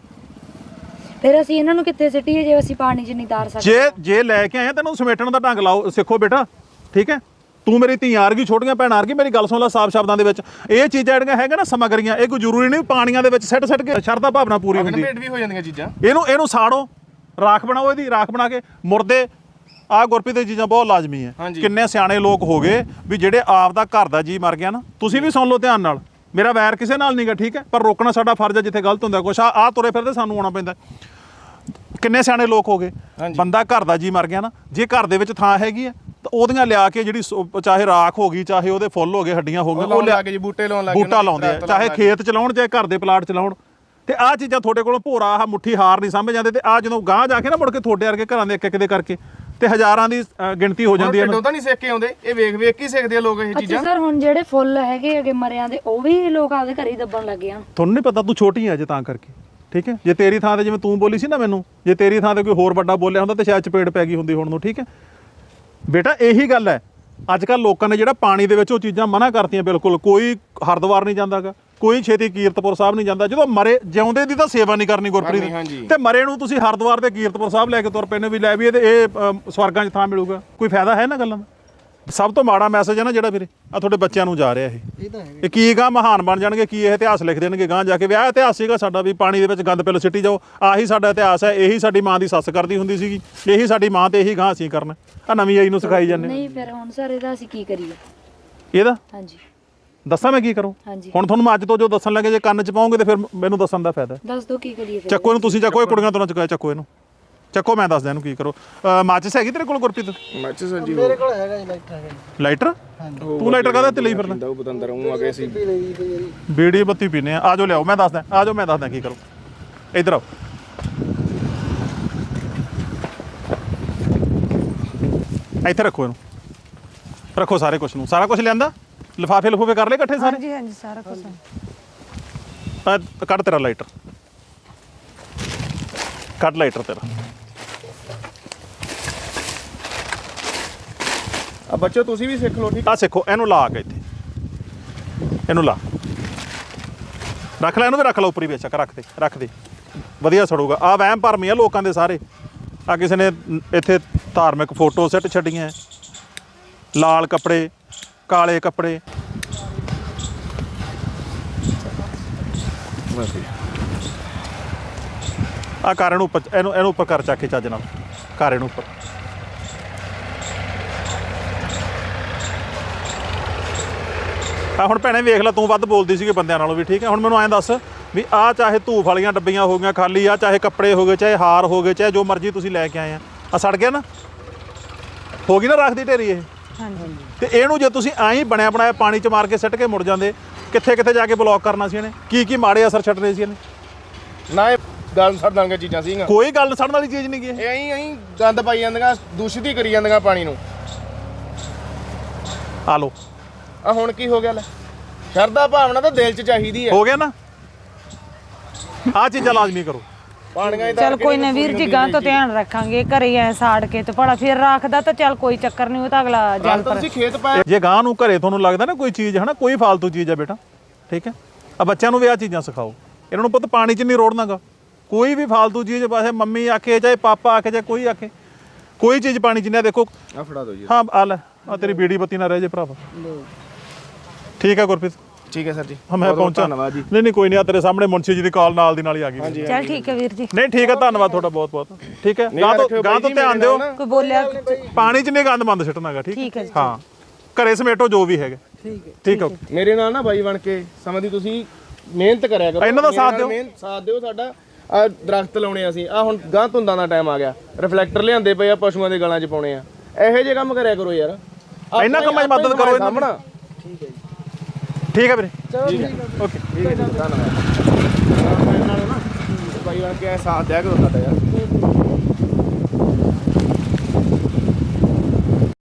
[SPEAKER 1] ਫਿਰ ਅਸੀਂ ਇਹਨਾਂ ਨੂੰ ਕਿੱਥੇ ਸਿੱਟੀਏ ਜੇ ਅਸੀਂ ਪਾਣੀ 'ਚ ਨਹੀਂ ਤਾਰ ਸਕਦੇ?
[SPEAKER 5] ਜੇ ਜੇ ਲੈ ਕੇ ਆਏ ਤੈਨੂੰ ਸਮੇਟਣ ਦਾ ਢੰਗ ਲਾਓ, ਸਿੱਖੋ ਬੇਟਾ, ਠੀਕ ਹੈ। ਤੂੰ ਮੇਰੀ ਧੀਆਂ ਵਰਗੀ, ਛੋਟੀਆਂ ਭੈਣਾਂ ਵਰਗੀ, ਮੇਰੀ ਗੱਲ ਸੁਣ ਲੈ ਸਾਫ਼ ਸ਼ਬਦਾਂ ਦੇ ਵਿੱਚ। ਇਹ ਚੀਜ਼ਾਂ ਜਿਹੜੀਆਂ ਹੈਗਾ ਨਾ ਸਮੱਗਰੀਆਂ, ਇਹ ਕੋਈ ਜ਼ਰੂਰੀ ਨਹੀਂ ਪਾਣੀਆਂ ਦੇ ਵਿੱਚ ਸਿੱਟ ਸਿੱਟ ਕੇ ਸ਼ਰਧਾ ਭਾਵਨਾ ਪੂਰੀ ਹੁੰਦੀ।
[SPEAKER 4] ਭੇਟ ਵੀ ਹੋ ਜਾਂਦੀਆਂ ਚੀਜ਼ਾਂ।
[SPEAKER 5] ਇਹਨੂੰ ਇਹਨੂੰ ਸਾੜੋ, ਰਾਖ ਬਣਾਓ, ਇਹਦੀ ਰਾਖ ਬਣਾ ਕੇ ਮੁਰਦੇ। ਆਹ ਗੁਰਪ੍ਰੀਤ ਦੀ ਚੀਜ਼ਾਂ ਬਹੁਤ ਲਾਜ਼ਮੀ ਹੈ। ਕਿੰਨੇ ਸਿਆਣੇ ਲੋਕ ਹੋ ਗਏ ਵੀ ਜਿਹੜੇ ਆਪ ਦਾ ਘਰ ਦਾ ਜੀ ਮਰ ਗਿਆ ਨਾ। ਤੁਸੀਂ ਵੀ ਸੁਣ ਲਓ ਧਿਆਨ ਨਾਲ, ਮੇਰਾ ਵੈਰ ਕਿਸੇ ਨਾਲ ਨਹੀਂਗਾ, ਠੀਕ ਹੈ, ਪਰ ਰੋਕਣਾ ਸਾਡਾ ਫਰਜ਼ ਹੈ ਜਿੱਥੇ ਗਲਤ ਹੁੰਦਾ ਕੁਛ। ਆ ਆ ਤੁਰੇ ਫਿਰਦੇ ਸਾਨੂੰ ਆਉਣਾ ਪੈਂਦਾ। ਕਿੰਨੇ ਸਿਆਣੇ ਲੋਕ ਹੋ ਗਏ, ਬੰਦਾ ਘਰ ਦਾ ਜੀ ਮਰ ਗਿਆ ਨਾ, ਜੇ ਘਰ ਦੇ ਵਿੱਚ ਥਾਂ ਹੈਗੀ ਆ ਤਾਂ ਉਹਦੀਆਂ ਲਿਆ ਕੇ ਜਿਹੜੀ ਚਾਹੇ ਰਾਖ ਹੋ ਗਈ, ਚਾਹੇ ਉਹਦੇ ਫੁੱਲ ਹੋ ਗਏ, ਹੱਡੀਆਂ ਹੋ ਗਈਆਂ, ਉਹ ਲਿਆ ਕੇ
[SPEAKER 4] ਬੂਟੇ ਲਾਉਣ ਲੱਗੇ,
[SPEAKER 5] ਬੂਟਾ ਲਾਉਂਦੇ ਆ, ਚਾਹੇ ਖੇਤ ਚਲਾਉਣ ਚਾਹੇ ਘਰ ਦੇ ਪਲਾਟ ਚਲਾਉਣ। ਤੇ ਆਹ ਚੀਜ਼ਾਂ ਤੁਹਾਡੇ ਕੋਲੋਂ ਭੋਰਾ ਆਹ ਮੁੱਠੀ ਹਾਰ ਨਹੀਂ ਸਮਝ ਜਾਂਦੇ। ਤੇ ਆ ਜਦੋਂ ਗਾਂਹ ਜਾ ਕੇ ਨਾ ਮੁੜ ਕੇ ਤੁਹਾਡੇ ਵਰਗੇ ਘਰਾਂ ਦੇ ਇੱਕ ਇੱਕ ਦੇ ਕਰਕੇ ਤੇ ਹਜ਼ਾਰਾਂ ਦੀ ਗਿਣਤੀ ਹੋ ਜਾਂਦੀ ਹੈ।
[SPEAKER 4] ਪਿੰਡੋਂ ਤਾਂ ਨਹੀਂ ਸਿੱਖ ਕੇ ਆਉਂਦੇ, ਇਹ ਵੇਖ ਵੇਖ ਹੀ ਸਿੱਖਦੇ ਆ ਲੋਕ ਇਹ ਚੀਜ਼ਾਂ।
[SPEAKER 1] ਸਰ ਹੁਣ ਜਿਹੜੇ ਫੁੱਲ ਹੈਗੇ ਅਗੇ ਮਰਿਆਂ ਦੇ ਉਹ ਵੀ ਲੋਕ ਆਪਦੇ ਘਰੇ ਹੀ ਦੱਬਣ ਲੱਗੇ ਆ।
[SPEAKER 5] ਤੁਹਾਨੂੰ ਨਹੀਂ ਪਤਾ, ਤੂੰ ਛੋਟੀ ਹੈ ਅਜੇ ਤਾਂ ਕਰਕੇ, ਠੀਕ ਹੈ। ਜੇ ਤੇਰੀ ਥਾਂ ਤੇ ਜਿਵੇਂ ਤੂੰ ਬੋਲੀ ਸੀ ਨਾ ਮੈਨੂੰ, ਜੇ ਤੇਰੀ ਥਾਂ ਤੇ ਕੋਈ ਹੋਰ ਵੱਡਾ ਬੋਲਿਆ ਹੁੰਦਾ ਤੇ ਸ਼ਾਇਦ ਚਪੇੜ ਪੈ ਗਈ ਹੁੰਦੀ ਹੁਣ ਨੂੰ, ਠੀਕ ਹੈ ਬੇਟਾ। ਇਹੀ ਗੱਲ ਹੈ, ਅੱਜ ਕੱਲ੍ਹ ਲੋਕਾਂ ਨੇ ਜਿਹੜਾ ਪਾਣੀ ਦੇ ਵਿੱਚ ਉਹ ਚੀਜ਼ਾਂ ਮਨਾ ਕਰਤੀਆਂ ਬਿਲਕੁਲ। ਕੋਈ ਹਰਿਦੁਆਰ ਨਹੀਂ ਜਾਂਦਾਗਾ, ਕੋਈ ਛੇਤੀ ਕੀਰਤਪੁਰ ਸਾਹਿਬ ਨਹੀਂ ਜਾਂਦਾ। ਜਦੋਂ ਮਰੇ ਜਿਉਂਦੇ ਦੀ ਤਾਂ ਸੇਵਾ ਨਹੀਂ ਕਰਨੀ ਗੁਰਪ੍ਰੀਤ, ਤੇ ਮਰੇ ਨੂੰ ਤੁਸੀਂ ਹਰਿਦੁਆਰ ਤੇ ਕੀਰਤਪੁਰ ਸਾਹਿਬ ਲੈ ਕੇ ਤੁਰ ਪੈਨੇ ਵੀ ਲੈ ਵੀ ਇਹ ਇਹ ਸਵਰਗਾਂ 'ਚ ਥਾਂ ਮਿਲੂਗਾ। ਕੋਈ ਫਾਇਦਾ ਹੈ ਨਾ ਗੱਲਾਂ ਦਾ? ਸਭ ਤੋਂ ਮਾੜਾ ਮੈਸੇਜ ਹੈ ਨਾ ਜਿਹੜਾ ਵੀਰੇ ਆ ਤੁਹਾਡੇ ਬੱਚਿਆਂ ਨੂੰ ਜਾ ਰਿਹਾ ਇਹ ਇਹ ਕੀ ਗਾਂ ਮਹਾਨ ਬਣ ਜਾਣਗੇ, ਕੀ ਇਹ ਇਤਿਹਾਸ ਲਿਖ ਦੇਣਗੇ ਗਾਂ ਜਾ ਕੇ। ਵਿਆਹ ਇਤਿਹਾਸ ਸੀਗਾ ਸਾਡਾ ਵੀ ਪਾਣੀ ਦੇ ਵਿੱਚ ਗੰਦ ਪਿੱਲ ਸਿੱਟੀ ਜਾਓ, ਆਹੀ ਸਾਡਾ ਇਤਿਹਾਸ ਹੈ। ਇਹੀ ਸਾਡੀ ਮਾਂ ਦੀ ਸੱਸ ਕਰਦੀ ਹੁੰਦੀ ਸੀਗੀ, ਇਹੀ ਸਾਡੀ ਮਾਂ ਤੇ ਇਹੀ ਗਾਂ ਅਸੀਂ ਕਰਨਾ। ਆ ਨਵੀਂ ਆਈ ਨੂੰ ਸਿਖਾਈ ਜਾਂਦੇ।
[SPEAKER 1] ਨਹੀਂ ਫਿਰ ਹੁਣ ਸਰ ਇਹਦਾ ਅਸੀਂ ਕੀ ਕਰੀਏ?
[SPEAKER 5] ਇਹਦਾ
[SPEAKER 1] ਹਾਂਜੀ
[SPEAKER 5] ਦੱਸਾਂ ਮੈਂ ਕੀ ਕਰੂੰ? ਹੁਣ ਤੁਹਾਨੂੰ ਮੈਂ ਅੱਜ ਤੋਂ ਜੋ ਦੱਸਣ ਲੱਗੇ ਜੇ ਕੰਨ 'ਚ ਪਾਉਂਗੇ ਤੇ ਫਿਰ ਮੈਨੂੰ ਦੱਸਣ ਦਾ ਫਾਇਦਾ।
[SPEAKER 1] ਦੱਸ ਦੋ ਕੀ ਕਰੀਏ ਫਿਰ?
[SPEAKER 5] ਚੱਕੋ ਇਹਨੂੰ, ਤੁਸੀਂ ਚੱਕੋ, ਇਹ ਕੁੜੀਆਂ ਤੋਂ ਨਾ ਚੁਕਾਇਆ, ਚੱਕੋ ਇਹਨੂੰ, ਚੱਕੋ, ਮੈਂ ਦੱਸਦਾ ਇਹਨੂੰ ਕੀ ਕਰੋ। ਮਾਚਿਸ ਹੈਗੀ ਤੇਰੇ ਕੋਲ ਗੁਰਪ੍ਰੀਤ?
[SPEAKER 4] ਮਾਚਿਸ ਜੀ
[SPEAKER 3] ਮੇਰੇ ਕੋਲ ਹੈਗਾ ਜੀ, ਲਾਈਟਰ ਹੈਗਾ ਜੀ।
[SPEAKER 5] ਲਾਈਟਰ? ਤੂੰ ਲਾਈਟਰ ਕਾਹਦਾ ਤੇ ਲਈ ਫਿਰਦਾ?
[SPEAKER 4] ਉਹ ਬਤੰਦਰ ਉਹ ਆ ਗਏ ਸੀ,
[SPEAKER 5] ਬੀੜੀ ਬੱਤੀ ਪੀਨੇ ਆ। ਆ ਜਾਓ ਲਿਆਓ, ਮੈਂ ਦੱਸਦਾ, ਆ ਜਾਓ ਮੈਂ ਦੱਸਦਾ ਕੀ ਕਰੋ। ਇੱਧਰ ਆਓ, ਇੱਥੇ ਰੱਖੋ ਇਹਨੂੰ, ਰੱਖੋ ਸਾਰੇ ਕੁਛ ਨੂੰ, ਸਾਰਾ ਕੁਝ ਲਿਆਂਦਾ। ਲਿਫਾਫੇ ਲਿਫੂਫੇ ਕਰ ਲਏ ਇਕੱਠੇ ਸਾਰੇ?
[SPEAKER 2] ਹਾਂਜੀ ਹਾਂਜੀ ਸਾਰਾ ਕੁਝ।
[SPEAKER 5] ਆ ਕੱਢ ਤੇਰਾ ਲਾਈਟਰ, ਕੱਢ ਲਾਈਟਰ ਤੇਰਾ।
[SPEAKER 4] ਆ ਬੱਚੋ ਤੁਸੀਂ ਵੀ ਸਿੱਖ ਲਓ, ਠੀਕ
[SPEAKER 5] ਆ ਸਿੱਖੋ, ਇਹਨੂੰ ਲਾ ਕੇ ਇੱਥੇ, ਇਹਨੂੰ ਲਾ, ਰੱਖ ਲੈ ਇਹਨੂੰ ਵੀ, ਰੱਖ ਲਾ ਉੱਪਰ ਹੀ ਬੇਸ਼ੱਕ, ਰੱਖ ਦੇ ਰੱਖ ਦੇ, ਵਧੀਆ ਸੜੂਗਾ। ਆ ਵਹਿਮ ਭਰਮੀ ਆ ਲੋਕਾਂ ਦੇ ਸਾਰੇ। ਆ ਕਿਸੇ ਨੇ ਇੱਥੇ ਧਾਰਮਿਕ ਫੋਟੋ ਸਿੱਟ ਛੱਡੀਆਂ, ਲਾਲ ਕੱਪੜੇ, ਕਾਲੇ ਕੱਪੜੇ। ਆ ਕਾਰ ਇਹਨੂੰ ਉੱਪਰ, ਇਹਨੂੰ ਇਹਨੂੰ ਉੱਪਰ ਕਰ, ਚੱਕ ਕੇ ਚੱਜ ਨਾਲ ਕਾਰ ਇਹਨੂੰ ਉੱਪਰ। ਆ ਹੁਣ ਭੈਣੇ ਵੇਖ ਲੈ, ਤੂੰ ਵੱਧ ਬੋਲਦੀ ਸੀਗੀ ਬੰਦਿਆਂ ਨਾਲੋਂ ਵੀ, ਠੀਕ ਹੈ। ਹੁਣ ਮੈਨੂੰ ਐਂ ਦੱਸ ਵੀ ਆ ਚਾਹੇ ਧੂਫ ਵਾਲੀਆਂ ਡੱਬੀਆਂ ਹੋ ਗਈਆਂ ਖਾਲੀ, ਆ ਚਾਹੇ ਕੱਪੜੇ ਹੋ ਗਏ, ਚਾਹੇ ਹਾਰ ਹੋ ਗਏ, ਚਾਹੇ ਜੋ ਮਰਜ਼ੀ ਤੁਸੀਂ ਲੈ ਕੇ ਆਏ ਆ, ਆ ਸੜ ਗਿਆ ਨਾ, ਹੋ ਗਈ ਨਾ ਰੱਖ ਦੀ ਢੇਰੀ ਇਹ।
[SPEAKER 2] ਹਾਂਜੀ
[SPEAKER 5] ਤੇ ਇਹਨੂੰ ਜੇ ਤੁਸੀਂ ਐਂ ਹੀ ਬਣਿਆ ਬਣਾਇਆ ਪਾਣੀ 'ਚ ਮਾਰ ਕੇ ਸਿੱਟ ਕੇ ਮੁੜ ਜਾਂਦੇ, ਕਿੱਥੇ ਕਿੱਥੇ ਜਾ ਕੇ ਬਲੌਕ ਕਰਨਾ ਸੀ ਇਹਨੇ, ਕੀ ਕੀ ਮਾੜੇ ਅਸਰ ਛੱਡਣੇ ਸੀ ਇਹਨੇ।
[SPEAKER 4] ਨਾ ਇਹ ਗੱਲ ਛੱਡ ਦਾਂਗੇ ਚੀਜ਼ਾਂ ਸੀਗੀਆਂ,
[SPEAKER 5] ਕੋਈ ਗੱਲ ਸੜਨ ਵਾਲੀ ਚੀਜ਼ ਨਹੀਂ ਗੀ ਇਹ।
[SPEAKER 4] ਇਹ ਐਂ ਐਂ ਗੰਦ ਪਾਈ ਜਾਂਦੀਆਂ, ਦੂਸ਼ਿਤ ਹੀ ਕਰੀ ਜਾਂਦੀਆਂ ਪਾਣੀ ਨੂੰ।
[SPEAKER 5] ਆ ਲੋ
[SPEAKER 4] ਆ ਹੁਣ ਕੀ ਹੋ ਗਿਆ ਲੈ, ਸ਼ਰਧਾ ਭਾਵਨਾ ਤਾਂ ਦਿਲ 'ਚ ਚਾਹੀਦੀ ਹੈ।
[SPEAKER 5] ਹੋ ਗਿਆ ਨਾ, ਆ ਚੀਜ਼ਾਂ ਲਾਜ਼ਮੀ ਕਰੋ।
[SPEAKER 4] ਪਾਣੀਆਂ
[SPEAKER 2] ਚਲ ਕੋਈ ਨਾ ਵੀਰ ਜੀ, ਗਾਂ ਤੋਂ ਧਿਆਨ ਰੱਖਾਂਗੇ। ਘਰੇ ਐ ਸਾੜ ਕੇ ਤੇ ਭਲਾ ਫਿਰ ਰੱਖਦਾ ਤਾਂ ਚੱਲ ਕੋਈ ਚੱਕਰ ਨਹੀਂ, ਉਹ ਤਾਂ ਅਗਲਾ ਜਲ ਪਰ
[SPEAKER 4] ਤੁਸੀਂ ਖੇਤ ਪਾਇਆ
[SPEAKER 5] ਜੇ ਗਾਂ ਨੂੰ ਘਰੇ ਤੁਹਾਨੂੰ ਲੱਗਦਾ ਨਾ ਕੋਈ ਚੀਜ਼ ਹੈ ਨਾ, ਕੋਈ ਫਾਲਤੂ ਚੀਜ਼ ਹੈ ਬੇਟਾ, ਠੀਕ ਹੈ, ਆ ਬੱਚਿਆਂ ਨੂੰ ਵੀ ਆ ਚੀਜ਼ਾਂ ਸਿਖਾਓ। ਇਹਨਾਂ ਨੂੰ ਪੁੱਤ ਪਾਣੀ 'ਚ ਨਹੀਂ ਰੋੜਨਾਗਾ, ਕੋਈ ਵੀ ਫਾਲਤੂ ਚੀਜ਼, ਚਾਹੇ ਮੰਮੀ ਆਖੇ ਚਾਹੇ ਪਾਪਾ ਆਖੇ ਚਾਹੇ ਕੋਈ ਆਖੇ, ਕੋਈ ਚੀਜ਼ ਪਾਣੀ 'ਚ ਨਹੀਂ। ਦੇਖੋ
[SPEAKER 4] ਆ ਫੜਾ ਦਿਓ ਜੀ।
[SPEAKER 5] ਹਾਂ ਆ ਲੈ, ਆ ਤੇਰੀ ਬੀੜੀ ਬੱਤੀ ਨਾ ਰਹਿ ਜੇ ਭਰਾਵਾ। ਠੀਕ ਹੈ ਗੁਰਪ੍ਰੀਤ,
[SPEAKER 4] ਠੀਕ ਹੈ ਸਰ ਜੀ,
[SPEAKER 5] ਹਾਂ ਮੈਂ
[SPEAKER 4] ਬਹੁਤ ਬਹੁਤ
[SPEAKER 5] ਪਹੁੰਚਾ।
[SPEAKER 4] ਧੰਨਵਾਦ ਜੀ।
[SPEAKER 5] ਨਹੀਂ ਨਹੀਂ ਕੋਈ ਨਹੀਂ, ਆ ਤੇਰੇ ਸਾਹਮਣੇ ਮੁੰਸ਼ੀ ਜੀ ਦੀ ਕਾਲ ਨਾਲ ਦੀ ਨਾਲ ਹੀ ਆ ਗਈ।
[SPEAKER 2] ਚੱਲ ਠੀਕ ਹੈ ਵੀਰ ਜੀ।
[SPEAKER 5] ਨਹੀਂ ਠੀਕ ਹੈ, ਧੰਨਵਾਦ ਤੁਹਾਡਾ ਬਹੁਤ ਬਹੁਤ। ਠੀਕ ਹੈ, ਗਾਂ ਤੋਂ ਗਾਂ ਤੋਂ ਧਿਆਨ ਦਿਓ,
[SPEAKER 2] ਕੋਈ ਬੋਲਿਆ
[SPEAKER 5] ਪਾਣੀ 'ਚ ਨਹੀਂ ਗੰਦ ਮੰਦ ਸਿੱਟਣਾਗਾ। ਠੀਕ
[SPEAKER 2] ਠੀਕ ਹੈ ਜੀ।
[SPEAKER 5] ਹਾਂ, ਘਰੇ ਸਮੇਟੋ ਜੋ ਵੀ ਹੈਗਾ। ਠੀਕ ਹੈ ਠੀਕ ਹੈ।
[SPEAKER 4] ਮੇਰੇ ਨਾਲ ਨਾ ਬਾਈ ਬਣ ਕੇ ਸਮਾਂ ਦੀ ਤੁਸੀਂ ਮਿਹਨਤ ਕਰਿਆ ਕਰੋ,
[SPEAKER 5] ਇਹਨਾਂ ਦਾ ਸਾਥ ਦਿਓ।
[SPEAKER 4] ਮਿਹਨਤ ਸਾਥ ਦਿਓ ਸਾਡਾ। ਆ ਦਰਖਤ ਲਾਉਣੇ ਅਸੀਂ, ਆ ਹੁਣ ਗਾਂ ਧੁੰਦਾਂ ਦਾ ਟਾਈਮ ਆ ਗਿਆ, ਰਿਫਲੈਕਟਰ ਲਿਆਂਦੇ ਪਏ ਆ, ਪਸ਼ੂਆਂ ਦੇ ਗਲਾਂ 'ਚ ਪਾਉਣੇ ਆ। ਇਹੋ ਜਿਹੇ ਕੰਮ ਕਰਿਆ ਕਰੋ ਯਾਰ,
[SPEAKER 5] ਇਹਨਾਂ ਕੰਮਾਂ 'ਚ ਮਦਦ ਕਰੋ ਇਹਨਾਂ ਦੀ।
[SPEAKER 4] ਸਾਹਮਣਾ।
[SPEAKER 5] ਠੀਕ ਹੈ ਵੀਰੇ,
[SPEAKER 4] ਠੀਕ ਹੈ ਓਕੇ, ਠੀਕ ਹੈ ਜੀ, ਧੰਨਵਾਦ। ਬਾਈ ਬਣ ਕੇ ਸਾਥ ਦਿਆ ਕਰੋ ਸਾਡਾ ਯਾਰ।